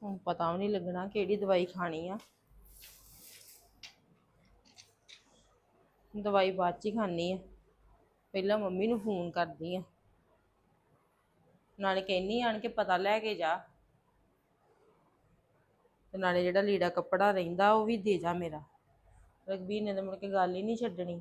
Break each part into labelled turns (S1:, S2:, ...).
S1: ਹੁਣ ਪਤਾ ਵੀ ਨਹੀਂ ਲੱਗਣਾ ਕਿਹੜੀ ਦਵਾਈ ਖਾਣੀ ਆ। ਦਵਾਈ ਬਾਅਦ ਚ ਹੀ ਖਾਣੀ ਆ, ਪਹਿਲਾਂ ਮੰਮੀ ਨੂੰ ਫੋਨ ਕਰਦੀ ਆ, ਨਾਲੇ ਕਹਿੰਨੀ ਆਣ ਕੇ ਪਤਾ ਲੈ ਕੇ ਜਾ, ਤੇ ਨਾਲੇ ਜਿਹੜਾ ਲੀੜਾ ਕੱਪੜਾ ਰਹਿੰਦਾ ਉਹ ਵੀ ਦੇ ਜਾ ਮੇਰਾ। ਰਘਬੀਰ ਨੇ ਤਾਂ ਮੁੜ ਕੇ ਗੱਲ ਹੀ ਨਹੀਂ ਛੱਡਣੀ।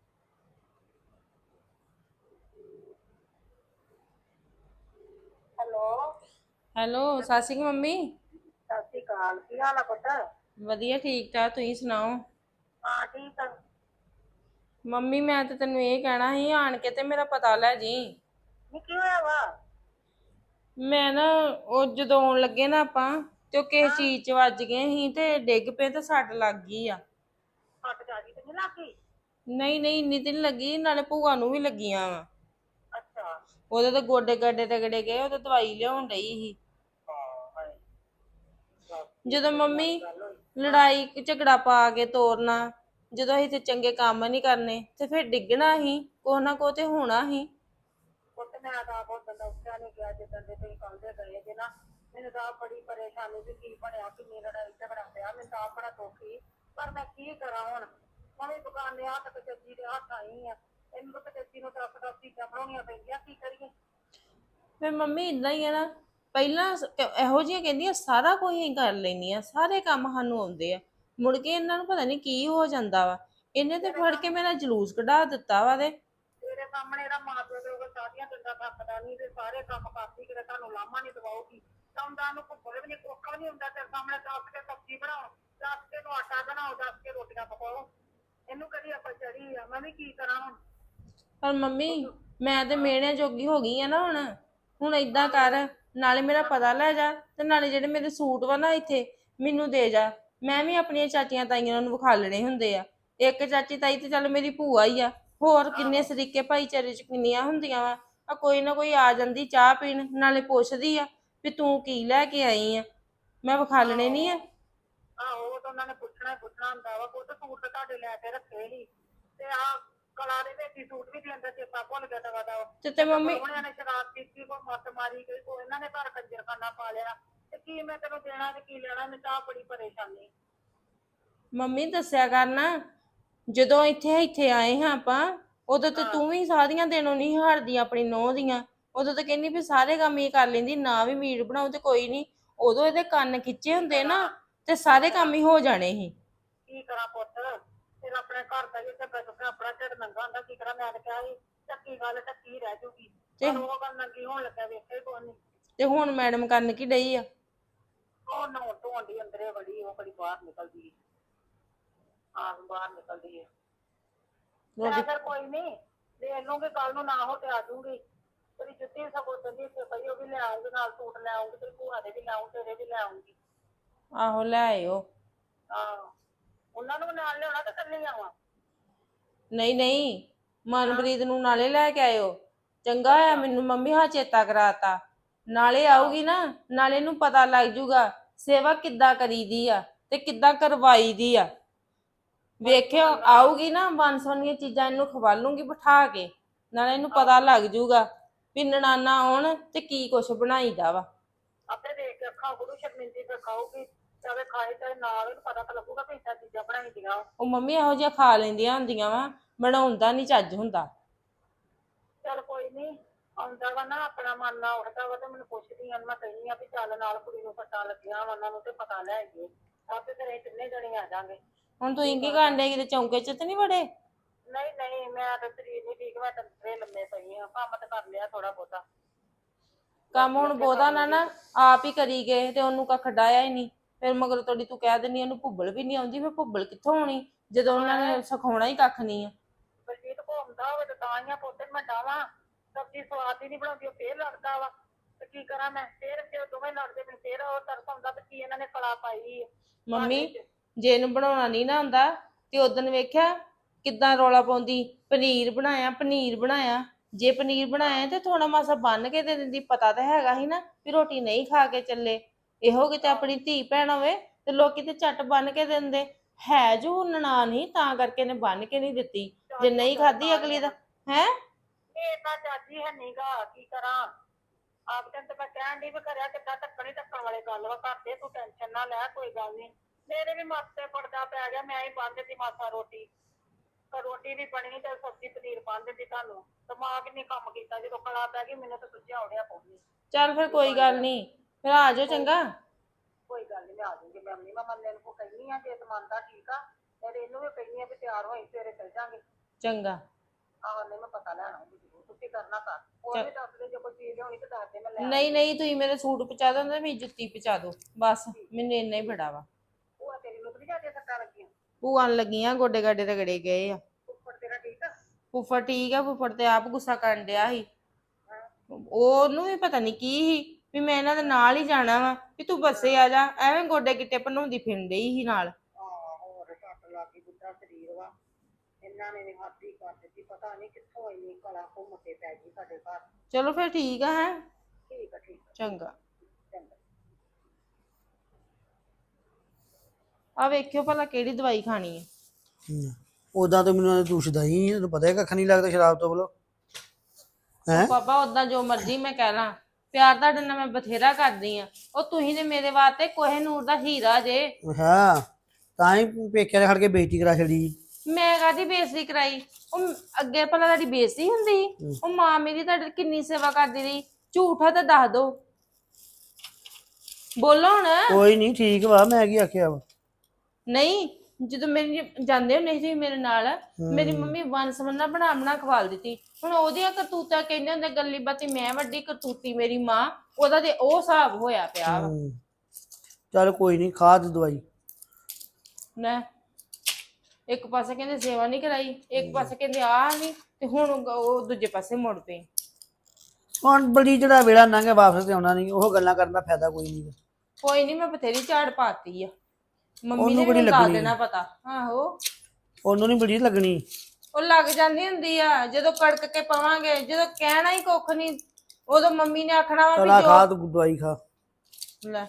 S1: ਹੈਲੋ, ਸਤਿ ਸ਼੍ਰੀ ਅਕਾਲ ਮੰਮੀ।
S2: ਸਤਿ ਸ਼੍ਰੀ ਅਕਾਲ। ਕੀ ਹਾਲ ਆ ਪੁੱਤ?
S1: ਵਧੀਆ, ਠੀਕ ਠਾਕ, ਤੁਸੀਂ ਸੁਣਾਓ?
S2: ਹਾਂ ਠੀਕ ਆ।
S1: ਮੰਮੀ ਮੈਂ ਤੇ ਤੈਨੂੰ ਇਹ ਕਹਿਣਾ ਸੀ, ਆਣ ਕੇ ਤੇ ਮੇਰਾ ਪਤਾ ਲੈ ਜੀ।
S2: ਨੀ ਕੀ ਹੋਇਆ ਵਾ?
S1: ਮੈਂ ਨਾ ਉਹ ਜਦੋਂ ਆਉਣ ਲੱਗੇ ਨਾ ਆਪਾਂ ਤੇ ਉਹ ਕਿਸੇ
S2: ਹਾਂ
S1: ਚੀਜ਼ 'ਚ ਵੱਜ ਗਏ ਸੀ ਤੇ ਡਿੱਗ ਪਏ ਤੇ ਸੱਟ ਲੱਗ ਗਈ ਆ।
S2: ਸੱਟ ਜਿਆਦੀ ਤੇ ਨੀ ਲੱਗੀ?
S1: ਨਹੀਂ ਨਹੀਂ, ਇੰਨੀ ਤੇ ਨੀ ਲੱਗੀ, ਨਾਲੇ ਭੂਆ ਨੂੰ ਵੀ ਲੱਗੀਆਂ ਵਾ।
S2: ਅੱਛਾ।
S1: ਉਹਦੇ ਤਾਂ ਗੋਡੇ ਗਾਡੇ ਤਗੜੇ ਗਏ, ਉਹ ਤਾਂ ਦਵਾਈ ਲਿਆਉਣ ਡਈ ਸੀ।
S2: ਹਾਏ ਦੱਸ ਇਹ
S1: ਜਦੋਂ
S2: ਤਾਂ ਬੜੀ
S1: ਮੰਮੀ
S2: ਮਾੜੀ ਗੱਲ ਹੋਈ। ਹਾਂ
S1: ਲੜਾਈ ਝਗੜਾ ਪਾ ਕੇ ਤੋਰਨਾ, ਜਦੋਂ ਅਸੀਂ ਤੇ ਚੰਗੇ ਕੰਮ ਨਹੀਂ ਕਰਨੇ ਤੇ ਫਿਰ ਡਿੱਗਣਾ ਹੀ, ਕੁਛ ਨਾ ਕੁਛ ਤੇ ਹੋਣਾ ਹੀ।
S2: ਪੁੱਤ ਮੈਂ ਤਾਂ ਆਪ ਉਦੋਂ ਦਾ ਉੱਠਿਆ ਨੀ ਗਿਆ ਜਿੱਦਣ ਦੇ ਤੁਸੀਂ ਕਹਿੰਦੇ ਗਏ ਜੇ ਨਾ। ਮੈਨੂੰ ਤਾਂ ਆਪ ਬੜੀ ਪਰੇਸ਼ਾਨੀ ਸੀ, ਕੀ ਬਣਿਆ ਕਿੰਨੀ ਲੜਾਈ ਝਗੜਾ ਪਿਆ, ਮੈਨੂੰ ਤਾਂ ਆਪ ਬੜਾ ਦੁੱਖ ਸੀ। ਪਰ ਮੈਂ ਕੀ ਕਰਾਂ ਹੁਣ, ਮੈਂ ਵੀ ਦੁਕਾਨੇ ਹੱਥ ਤੇ ਚੱਜੀ ਦੇ ਹੱਥ ਆਈ ਆ। ਇਹਨੂੰ ਤਾਂ ਚੱਜੀ ਨੂੰ ਦਸ ਦਸ ਚੀਜ਼ਾਂ ਬਣਾਉਣੀਆਂ ਪੈਂਦੀਆਂ, ਕੀ ਕਰੀਏ।
S1: ਫਿਰ ਮੰਮੀ ਇਦਾਂ ਹੀ ਆ ਨਾ, ਪਹਿਲਾਂ ਇਹੋ ਜਿਹੀਆਂ ਕਹਿੰਦੀਆਂ ਸਾਰਾ ਕੁਝ ਹੀ ਕਰ ਲੈਂਦੀਆਂ, ਸਾਰੇ ਕੰਮ ਸਾਨੂੰ ਆਉਂਦੇ ਆ, ਮੁੜ ਕੇ ਇਹਨਾਂ ਨੂੰ ਪਤਾ ਨਹੀਂ ਕੀ ਹੋ ਜਾਂਦਾ ਵਾ। ਇਹਨੇ ਤੇ
S2: ਤੇਰੇ
S1: ਫੜ ਕੇ
S2: ਕੰਮ
S1: ਮੇਰਾ ਜਲੂਸ ਕਢਾ ਦਿੱਤਾ ਵਾ ਤੇ
S2: ਤੇਰੇ ਸਾਹਮਣੇ ਇਹਦਾ ਮਾਂ ਪਿਓ ਦੇ ਉਹ ਸਾਰੀਆਂ ਗੱਲਾਂ ਥੱਕਦਾ ਨਹੀਂ ਤੇ ਸਾਰੇ ਕੰਮ ਕਰਦੀ, ਕਿਤੇ ਤੁਹਾਨੂੰ ਲਾਮਾ ਨਹੀਂ ਦਵਾਉਗੀ। ਤਾਂ ਨੂੰ ਭੁੱਖੇ ਵੀ ਨਹੀਂ, ਕੋਖਾ ਨਹੀਂ ਹੁੰਦਾ ਤੇਰੇ ਸਾਹਮਣੇ। ਦੱਸ ਕੇ ਸਬਜ਼ੀ ਬਣਾਓ, ਦੱਸ ਕੇ ਨੂੰ ਆਟਾ ਬਣਾਓ, ਦੱਸ ਕੇ ਰੋਟੀਆਂ ਪਕਾਓ। ਇਹਨੂੰ ਕਦੀ ਆਪਾਂ ਚੜੀ ਆ, ਮੈਂ ਵੀ ਕੀ ਕਰਾਂ ਹੁਣ।
S1: ਪਰ ਮੰਮੀ ਮੈਂ ਤੇ
S2: ਹਾਂ
S1: ਮਿਹਣਿਆਂ ਜੋਗੀ ਹੋ ਗਈ ਆ ਨਾ ਹੁਣ ਏਦਾਂ ਕਰ, ਨਾਲੇ ਮੇਰਾ ਪਤਾ ਲੈ ਜਾ ਤੇ ਨਾਲੇ ਜਿਹੜੇ ਮੇਰੇ ਸੂਟ ਵਾ ਨਾ ਇੱਥੇ ਮੈਨੂੰ ਦੇ ਜਾ। ਮੈਂ ਵੀ ਆਪਣੀਆਂ ਚਾਚੀਆਂ ਤਾਈਆਂ ਨੂੰ ਵਿਖਾਲਣੇ ਹੁੰਦੇ ਆ। ਇੱਕ ਚਾਚੀ ਤਾਈ ਤੇ ਚੱਲ ਮੇਰੀ ਭੂਆ ਹੀ ਆ, ਹੋਰ ਕਿੰਨੇ
S2: ਆਹੋ
S1: ਸਰੀਕੇ ਭਾਈਚਾਰੇ ਚ ਕਿੰਨੀਆਂ ਹੁੰਦੀਆਂ ਵਾ। ਆ ਕੋਈ ਨਾ ਕੋਈ ਆ ਜਾਂਦੀ ਚਾਹ ਪੀਣ, ਨਾਲੇ ਪੁੱਛਦੀ ਆ ਵੀ ਤੂੰ ਕੀ ਲੈ ਕੇ ਆਈ ਆ, ਮੈਂ ਵਿਖਾਲਣੇ ਨੀ ਆ।
S2: ਆਹੋ ਉਹ ਤਾਂ ਉਹਨਾਂ ਨੇ ਪੁੱਛਣਾ ਹੀ ਪੁੱਛਣਾ ਹੁੰਦਾ ਵਾ। ਉਹ ਤਾਂ ਸੂਟ ਤਾਂ ਤੁਹਾਡੇ ਲੈ ਕੇ ਰੱਖੇ ਹੀ, ਤੇ ਆਹ ਕਲਾ ਦੇ ਵਿੱਚ ਹੀ ਸੂਟ ਵੀ ਦੇਣ ਦਾ ਚੇਤਾ ਭੁੱਲ ਗਿਆ ਦਵਾ ਦਾ।
S1: ਤੇ ਮੰਮੀ
S2: ਪ੍ਰਾਹੁਣਿਆਂ ਨੇ ਸ਼ਰਾਬ ਪੀਤੀ, ਕੋਈ ਮੱਤ ਮਾਰੀ ਗਈ, ਕੋਈ ਇਹਨਾਂ ਨੇ ਘਰ ਕੰਜਰਖਾਨਾ ਪਾ ਲਿਆ, ਤੇ ਕੀ ਮੈਂ ਤੈਨੂੰ ਦੇਣਾ ਤੇ ਕੀ ਲੈਣਾ। ਮੈਨੂੰ ਤਾਂ ਬੜੀ ਪਰੇਸ਼ਾਨੀ।
S1: ਮੰਮੀ ਦੱਸਿਆ ਕਰ ਨਾ, ਜਦੋਂ ਇੱਥੇ ਇੱਥੇ ਆਏ ਹਾਂ ਆਪਾਂ, ਉਦੋਂ ਤੇ
S2: ਹਾਂ
S1: ਤੂੰ ਵੀ ਸਾਰੀਆਂ ਦਿਨੋਂ ਨਹੀਂ ਹਾਰਦੀ ਆਪਣੀ ਨੂੰਹ ਦੀਆਂ। ਉਦੋਂ ਤਾਂ ਕਹਿੰਦੀ ਵੀ ਸਾਰੇ ਕੰਮ ਹੀ ਕਰ ਲੈਂਦੀ, ਨਾ ਵੀ ਮੀਟ ਬਣਾਓ ਤੇ ਕੋਈ ਨਹੀਂ। ਉਦੋਂ ਇਹਦੇ ਕੰਨ ਖਿੱਚੇ
S2: ਕੀ
S1: ਹੁੰਦੇ ਨਾ
S2: ਕਰਾਂ
S1: ਤੇ
S2: ਕੀ
S1: ਸਾਰੇ
S2: ਕਰਾਂ
S1: ਕੰਮ ਹੀ ਹੋ ਜਾਣੇ ਸੀ।
S2: ਕੀ ਕਰਾਂ ਪੁੱਤ, ਫਿਰ ਆਪਣੇ ਘਰ ਦਾ ਵੀ ਆਪਣਾ ਢਿੱਡ ਨੰਗਾ ਹੁੰਦਾ। ਕੀ ਕਰਾਂ, ਮੈਂ ਤਾਂ ਕਿਹਾ ਸੀ ਚੱਕੀ ਗੱਲ ਢੱਕੀ ਰਹਿ ਜੂਗੀ,
S1: ਤੇ
S2: ਪਰ ਉਹ ਗੱਲ ਨੰਗੀ ਹੋਣ ਲੱਗਾ ਵੇਖਿਆ ਹੀ ਕੋਈ ਨੀ।
S1: ਤੇ ਹੁਣ ਮੈਡਮ ਕਰਨ ਕੀ ਡਈ ਆ?
S2: ਉਹ ਨਹਾਉਣ ਧੋਣ ਦੀ ਅੰਦਰੇ ਵੜੀ, ਉਹ ਕਦੀ ਬਾਹਰ ਨਿਕਲਦੀ ਬਾਹਰ ਨਿਕਲਦੀ ਹੈ। ਮੈਂ
S1: ਰੋਟੀ
S2: ਫਿਰ ਕੋਈ ਨੀ ਦੇਖ ਲੂੰਗੀ, ਕੱਲ ਨੂੰ ਨਾ ਹੋ ਤੇ ਆ ਜੂਗੀ। ਤੇਰੀ ਜੁੱਤੀ ਸਗੋਂ ਕਹਿੰਦੀ ਇੱਥੇ ਪਈ, ਉਹ ਵੀ ਲੈ ਆਉਂਗੀ, ਨਾਲ ਸੂਟ ਲੈ ਆਉਂਗੀ, ਤੇਰੀ ਭੂਆ ਦੇ ਵੀ ਲੈ ਆਊਂ, ਤੇਰੇ ਵੀ ਲੈ ਆਉਂਗੀ।
S1: ਆਹੋ ਲੈ ਆਇਓ।
S2: ਆਹੋ ਉਹਨਾਂ ਨੂੰ ਨਾਲ ਲਿਆਉਣਾ ਤੇ ਇਕੱਲੀ ਆਵਾਂ?
S1: ਨਹੀਂ ਨਹੀਂ,
S2: ਹਾਂ
S1: ਮਨਪ੍ਰੀਤ ਨੂੰ ਨਾਲੇ ਲੈ ਕੇ ਆਇਓ। ਚੰਗਾ ਹੋਇਆ
S2: ਅੱਛਾ
S1: ਮੈਨੂੰ ਮੰਮੀ ਹਾਂ ਚੇਤਾ ਕਰਾਤਾ। ਨਾਲੇ
S2: ਆਹੋ
S1: ਆਊਗੀ ਨਾ, ਨਾਲੇ ਇਹਨੂੰ ਪਤਾ ਲੱਗ ਜੂਗਾ ਸੇਵਾ ਕਿੱਦਾਂ ਕਰੀਦੀ ਆ ਤੇ ਕਿੱਦਾਂ ਕਰਵਾਈ ਦੀ ਆ।
S2: ਬੜੀ
S1: ਵੇਖਿਓ
S2: ਭਾਰੀ ਗੱਲ
S1: ਆਊਗੀ ਨਾ, ਬਣ ਸੋਨੀਆਂ ਚੀਜ਼ਾਂ ਇਹਨੂੰ ਖਵਾਲੂੰਗੀ ਬਿਠਾ ਕੇ, ਨਾਲੇ ਇਹਨੂੰ ਪਤਾ
S2: ਆਹੋ
S1: ਲੱਗ ਜੂਗਾ ਵੀ ਨਨਾਣਾ ਆਉਣ ਤੇ ਕੀ ਕੁਛ ਬਣਾਈਦਾ ਵਾ।
S2: ਆਪੇ ਦੇਖ ਕੇ ਅੱਖਾਂ ਗੁਰੂ ਸ਼ਰਮਿੰਦੀ ਤੇ ਖਾਊਗੀ, ਚਾਹੇ ਖਾਏ ਚਾਹੇ ਨਾ ਆਵੇ, ਪਤਾ ਤਾਂ ਲੱਗੂਗਾ ਵੀ ਇੱਦਾਂ ਚੀਜ਼ਾਂ ਬਣਾਈ ਦੀਆਂ।
S1: ਉਹ ਮੰਮੀ ਇਹੋ ਜਿਹੀਆਂ ਖਾ ਲੈਂਦੀਆਂ ਹੁੰਦੀਆਂ ਵਾ, ਬਣਾਉਂਦਾ ਨੀ ਚੱਜ ਹੁੰਦਾ।
S2: ਚੱਲ ਕੋਈ ਨੀ, ਆਉਂਦਾ ਵਾ ਨਾ ਆਪਣਾ ਮਨ ਨਾ ਉੱਠਦਾ ਵਾ ਤੇ ਮੈਨੂੰ ਪੁੱਛਦੀ ਆ, ਮੈਂ ਕਹਿੰਦੀ ਆ ਵੀ ਚੱਲ ਨਾਲ ਕੁੜੀ ਨੂੰ ਸੱਟਾਂ ਲੱਗੀਆਂ ਵਾ, ਉਹਨਾਂ ਨੂੰ ਤੇ ਪਤਾ ਲੈ ਆਈਏ। ਆਪੇ ਫਿਰ ਅਸੀਂ ਤਿੰਨੇ ਜਣੇ ਆ ਜਾਾਂਗੇ।
S1: ਹੁਣ ਤੁਸੀਂ ਕੀ ਕਰਨ ਡੇ, ਕਿਤੇ ਚੌਂਕੇ ਚ ਤੇ ਨੀ ਵੜੇ?
S2: ਨਹੀਂ ਨਹੀਂ, ਮੈਂ ਤਾਂ ਸਰੀਰ ਨੀ ਠੀਕ, ਮੈਂ ਤਾਂ ਅੰਦਰੇ ਲੰਮੇ ਪਈ ਆ, ਕੰਮ ਤਾਂ ਕਰ ਲਿਆ ਥੋੜਾ ਬਹੁਤਾ।
S1: ਕੰਮ
S2: ਬਾਕੀ
S1: ਹੁਣ
S2: ਉੱਥੇ
S1: ਬਹੁਤਾ
S2: ਕਰ
S1: ਨਾ
S2: ਲੂੰਗੀ।
S1: ਨਾ ਆਪ ਹੀ ਕਰੀ ਗਏ ਤੇ ਉਹਨੂੰ ਕੱਖ ਡਾਇਆ ਹੀ ਨਹੀਂ। ਫਿਰ ਮਗਰ ਤੋੜੀ ਤੂੰ ਕਹਿ ਦਿੰਦੀ ਉਹਨੂੰ ਭੁੱਬਲ ਵੀ ਨਹੀਂ ਆਉਂਦੀ, ਫਿਰ ਭੁੱਬਲ ਕਿੱਥੋਂ ਆਉਣੀ ਜਦੋਂ ਉਹਨਾਂ ਨੇ ਸਿਖਾਉਣਾ ਹੀ ਕੱਖ ਨਹੀਂ ਆ।
S2: ਬਲਜੀਤ ਘੁੰਮਦਾ ਹੋਵੇ ਤਾਂ ਹੀ ਆ ਪੁੱਤ ਮੈਂ ਡਾਵਾਂ, ਸਬਜ਼ੀ ਸਵਾਦ ਹੀ ਨੀ ਬਣਾਉਂਦੀ, ਉਹ ਫੇਰ ਲੜਦਾ ਵਾ। ਤੇ ਕੀ ਕਰਾਂ ਮੈਂ, ਫੇਰ ਜੇ ਦੋਵੇਂ ਲੜਦੇ ਮੈਨੂੰ ਫੇਰ ਉਹ ਤਰਸ ਆਉਂਦਾ ਵੀ ਕੀ ਇਹਨਾਂ ਨੇ ਕਲਾ ਪਾਈ ਘਰ
S1: ਮੰਮੀ
S2: ਵਿੱਚ।
S1: ਜੇ ਇਹਨੂੰ ਬਣਾਉਣਾ ਨਹੀਂ ਨਾ ਆਉਂਦਾ ਤੇ ਉਦਣ ਵੇਖਿਆ ਕਿੱਦਾਂ ਰੌਲਾ ਪਾਉਂਦੀ, ਪਨੀਰ ਬਣਾਇਆ ਪਨੀਰ ਬਣਾਇਆ। ਜੇ ਪਨੀਰ ਬਣਾਇਆ ਤੇ ਥੋੜਾ ਮਾਸਾ ਬੰਨ ਕੇ ਦੇ ਦਿੰਦੀ, ਪਤਾ ਤਾਂ ਹੈਗਾ ਸੀ ਨਾ ਵੀ ਰੋਟੀ ਨਹੀਂ ਖਾ ਕੇ ਚੱਲੇ। ਇਹੋ ਕਿਤੇ ਆਪਣੀ ਧੀ ਭੈਣ ਹੋਵੇ ਤੇ ਲੋਕੀ ਤੇ ਝੱਟ ਬੰਨ ਕੇ ਦਿੰਦੇ। ਹੈ ਜੋ ਨਨਾਣ ਹੀ ਤਾਂ ਕਰਕੇ ਇਹਨੇ ਬੰਨ ਕੇ ਨਹੀਂ ਦਿੱਤੀ, ਜੇ
S2: ਚੱਜ
S1: ਨਹੀਂ
S2: ਹੁੰਦਾ ਤਾਂ
S1: ਖਾਧੀ
S2: ਤਾਂ ਹੀ
S1: ਅਗਲੀ
S2: ਆ
S1: ਦਾ
S2: ਨਾ,
S1: ਹੈ।
S2: ਇਹ ਤਾਂ ਚਾਚੀ ਹੈ ਨੀ ਗਾ, ਕੀ ਕਰਾਂ। ਆਪ ਤੈਨੂੰ ਤਾਂ ਮੈਂ ਕਹਿਣ ਦੀ ਵੀ ਕਰਿਆ ਕਿੱਦਾਂ ਢੱਕਣ ਹੀ ਢੱਕਣ ਵਾਲੇ ਗੱਲ ਵਾ ਕਰਦੇ ਤੂੰ ਟੈਨਸ਼ਨ ਨਾ ਲੈ ਕੋਈ ਗੱਲ ਨਹੀਂ ਮੇਰੇ ਵੀ ਮਾਸੇ ਪੜਦਾ ਪੈ ਗਿਆ ਮੈਂ ਹੀ ਬੰਨ ਦਿੱਤੀ ਮਾਸਾ ਰੋਟੀ ਤਾਂ ਰੋਟੀ ਵੀ ਬਣੀ ਤੇ ਸਬਜ਼ੀ ਪਨੀਰ ਬੰਨ ਦਿੱਤੀ ਤੁਹਾਨੂੰ ਦਿਮਾਗ ਨਹੀਂ ਕੰਮ ਕੀਤਾ ਜਦੋਂ ਕਲਾ ਪੈ ਗਈ ਮੈਨੂੰ ਤਾਂ ਸੁੱਝਿਆ ਉੜਿਆ ਪਊਗੀ
S1: ਚੱਲ ਫਿਰ ਕੋਈ ਗੱਲ ਨਹੀਂ, ਫਿਰ ਆ ਜਾਓ ਚੰਗਾ।
S2: ਕੋਈ ਗੱਲ ਨਹੀਂ ਮੈਂ ਆ ਜਾਊਂਗੀ ਮੈਂ ਨਹੀਂ ਮੈਂ ਮੰਨੇ ਨੂੰ ਕਹਿੰਦੀ ਆ ਜੇ ਤੇ ਮੰਨਦਾ ਠੀਕ ਆ ਤੇ ਇਹਨੂੰ ਵੀ ਕਹਿੰਦੀ ਆ ਵੀ ਤਿਆਰ ਹੋਈ ਸਵੇਰੇ ਚੱਲ ਜਾਾਂਗੇ।
S1: ਚੰਗਾ।
S2: ਆਹ ਨਹੀਂ ਮੈਂ ਪਤਾ ਲੈਣਾ ਤੁਸੀਂ ਕਰਨਾ ਕਰ ਹੋਰ ਵੀ ਦੱਸ ਦੇ ਜੇ ਕੋਈ ਚੀਜ਼ ਹੋਣੀ ਤੇ ਦੱਸ ਦੇ ਮੈਂ ਲੈ
S1: ਨਹੀਂ ਨਹੀਂ, ਤੁਸੀਂ ਮੇਰੇ ਸੂਟ ਪਹੁੰਚਾ ਦਿਓ ਤੇ ਮੇਰੀ ਜੁੱਤੀ ਪਹੁੰਚਾ ਦਿਓ, ਬਸ ਮੈਨੂੰ ਇੰਨਾ ਹੀ ਬੜਾ ਵਾ।
S2: ਭੂਆ ਤੇਰੀ ਨੂੰ ਨਹੀਂ ਜਾਂਦੀਆਂ ਸੱਟਾਂ ਲੱਗੀਆਂ?
S1: ਭੂਆ ਨੂੰ ਲੱਗੀਆਂ, ਗੋਡੇ ਗਾਡੇ ਰਗੜੇ ਗਏ ਆ।
S2: ਉੱਪਰ ਤੇਰਾ ਠੀਕ ਆ?
S1: ਫੁੱਫੜ ਠੀਕ ਆ, ਫੁੱਫੜ ਤੇ ਆਪ ਗੁੱਸਾ ਕਰਨ ਡਿਆ ਸੀ। ਉਹਨੂੰ ਵੀ ਪਤਾ ਨਹੀਂ ਕੀ ਸੀ ਵੀ ਮੈਂ ਇਹਨਾਂ ਦੇ ਨਾਲ ਹੀ ਜਾਣਾ ਵਾ, ਵੀ ਤੂੰ ਬੱਸੇ ਆ ਜਾ, ਐਵੇਂ ਗੋਡੇ ਗਿੱਟੇ ਭੰਨਾਉਂਦੀ ਫਿਰਨ ਡਈ ਸੀ ਨਾਲ।
S2: ਹੋਰ ਸੱਟ ਲੱਗੀ ਬੁੱਢਾ ਸਰੀਰ ਵਾ ਇਹਨਾਂ ਨੇ ਹੱਥ ਹੀ ਕਰ ਦਿੱਤੀ ਪਤਾ ਨਹੀਂ ਕਿੱਥੋਂ ਇੰਨੀ ਕਲਾ ਘੁੰਮ ਕੇ ਪੈ ਗਈ ਸਾਡੇ ਘਰ।
S1: ਚਲੋ ਫਿਰ ਠੀਕ ਆ, ਹੈ
S2: ਠੀਕ ਆ ਠੀਕ ਆ
S1: ਚੰਗਾ।
S2: ਚੰਗਾ।
S1: ਆ ਵੇਖਿਓ ਭਲਾ ਕਿਹੜੀ ਦਵਾਈ ਖਾਣੀ ਹੈ।
S3: ਉਦਾਂ ਤਾਂ ਮੈਨੂੰ ਦੁਸ਼ਦਾ ਹੀ ਤੈਨੂੰ ਪਤਾ ਹੈ ਕੱਖ ਨਹੀਂ ਲੱਗਦਾ ਸ਼ਰਾਬ ਤੋਂ ਬਲੋ ਹੈ।
S1: ਪਾਪਾ ਉਦਾਂ ਜੋ ਮਰਜ਼ੀ ਮੈਂ ਕਹਿ ਲਾਂ, ਪਿਆਰ ਤੁਹਾਡੇ ਨਾਲ ਮੈਂ ਬਥੇਰਾ ਕਰਦੀ ਆ, ਉਹ ਤੁਸੀਂ ਨੇ ਮੇਰੇ ਵਾਸਤੇ ਕੋਹੇ ਨੂਰ ਦਾ ਹੀਰਾ ਜੇ।
S3: ਹਾਂ ਤਾਂ ਹੀ ਪੇਕਿਆਂ ਦੇ ਖੜ ਕੇ ਬੇਇੱਜ਼ਤੀ ਕਰਾ ਛੜੀ।
S1: ਮੈਂ ਕਾਹਦੀ ਬੇਇੱਜ਼ਤੀ ਕਰਾਈ? ਉਹ ਅੱਗੇ ਭਲਾ ਤੁਹਾਡੀ ਬੇਇੱਜ਼ਤੀ ਹੁੰਦੀ? ਉਹ ਮਾਂ ਮੇਰੀ ਤੁਹਾਡੀ ਕਿੰਨੀ ਸੇਵਾ ਕਰਦੀ ਰਹੀ, ਝੂਠਾ ਤਾਂ ਦੱਸ ਦੋ, ਬੋਲੋ ਹੁਣ।
S3: ਕੋਈ ਨਹੀਂ ਠੀਕ ਵਾ, ਮੈਂ ਕੀ ਆਖਿਆ ਵਾ।
S1: ਨਹੀਂ, ਜਦੋਂ ਮੇਰੀ ਜਾਂਦੇ ਹੁੰਦੇ ਸੀ ਮੇਰੇ ਨਾਲ, ਮੇਰੀ ਮੰਮੀ ਵੰਸਵੰਨਾ ਬਣਾ ਬਣਾ ਖਵਾਲ ਦਿੱਤੀ। ਹੁਣ ਉਹਦੀਆਂ ਕਰਤੂਤਾਂ ਕਹਿੰਦੇ ਹੁੰਦੇ ਗੱਲੀ ਬਾਤੀ ਮੈਂ ਵੱਡੀ ਕਰਤੂਤੀ ਮੇਰੀ ਮਾਂ, ਉਹਦਾ ਤੇ ਉਹ ਹਿਸਾਬ ਹੋਇਆ ਪਿਆ ਵਾ।
S3: ਚੱਲ ਕੋਈ ਨਹੀਂ, ਖਾ ਦੇ ਦਵਾਈ।
S1: ਨਾ ਇੱਕ ਪਾਸੇ ਕਹਿੰਦੇ ਸੇਵਾ ਨਹੀਂ ਕਰਾਈ, ਇੱਕ ਪਾਸੇ ਕਹਿੰਦੇ ਆ ਨਹੀਂ, ਤੇ ਹੁਣ ਉਹ ਦੂਜੇ ਪਾਸੇ ਮੁੜ ਪਏ।
S3: ਹੁਣ ਬੜੀ ਜਿਹੜਾ ਵੇਲਾ ਲੰਘੇ ਵਾਪਸ ਤੇ ਆਉਣਾ ਨਹੀਂ, ਉਹ ਗੱਲਾਂ ਕਰਨ ਦਾ ਫਾਇਦਾ ਕੋਈ ਨਹੀਂ।
S1: ਕੋਈ ਨਹੀਂ, ਮੈਂ ਬਥੇਰੀ ਝਾੜ ਪਾਤੀ ਆ, ਮੰਮੀ
S3: ਉਹਨੂੰ
S1: ਨੇ
S3: ਬੜੀ
S1: ਮੈਨੂੰ ਦੱਸ
S3: ਲੱਗਣੀ
S1: ਦੇਣਾ ਪਤਾ। ਆਹੋ
S3: ਉਹਨੂੰ ਨਹੀਂ ਬੜੀ ਲੱਗਣੀ,
S1: ਉਹ ਲੱਗ ਜਾਂਦੀ ਹੁੰਦੀ ਆ ਜਦੋਂ ਕੜਕ ਕੇ ਪਵਾਂਗੇ, ਜਦੋਂ ਕਹਿਣਾ ਹੀ ਕੁੱਖ ਨਹੀਂ ਉਦੋਂ ਮੰਮੀ ਨੇ ਆਖਣਾ ਵਾ
S3: ਚਲਾ
S1: ਵੀ
S3: ਖਾ ਤੂੰ ਦਵਾਈ ਖਾ।
S1: ਲੈ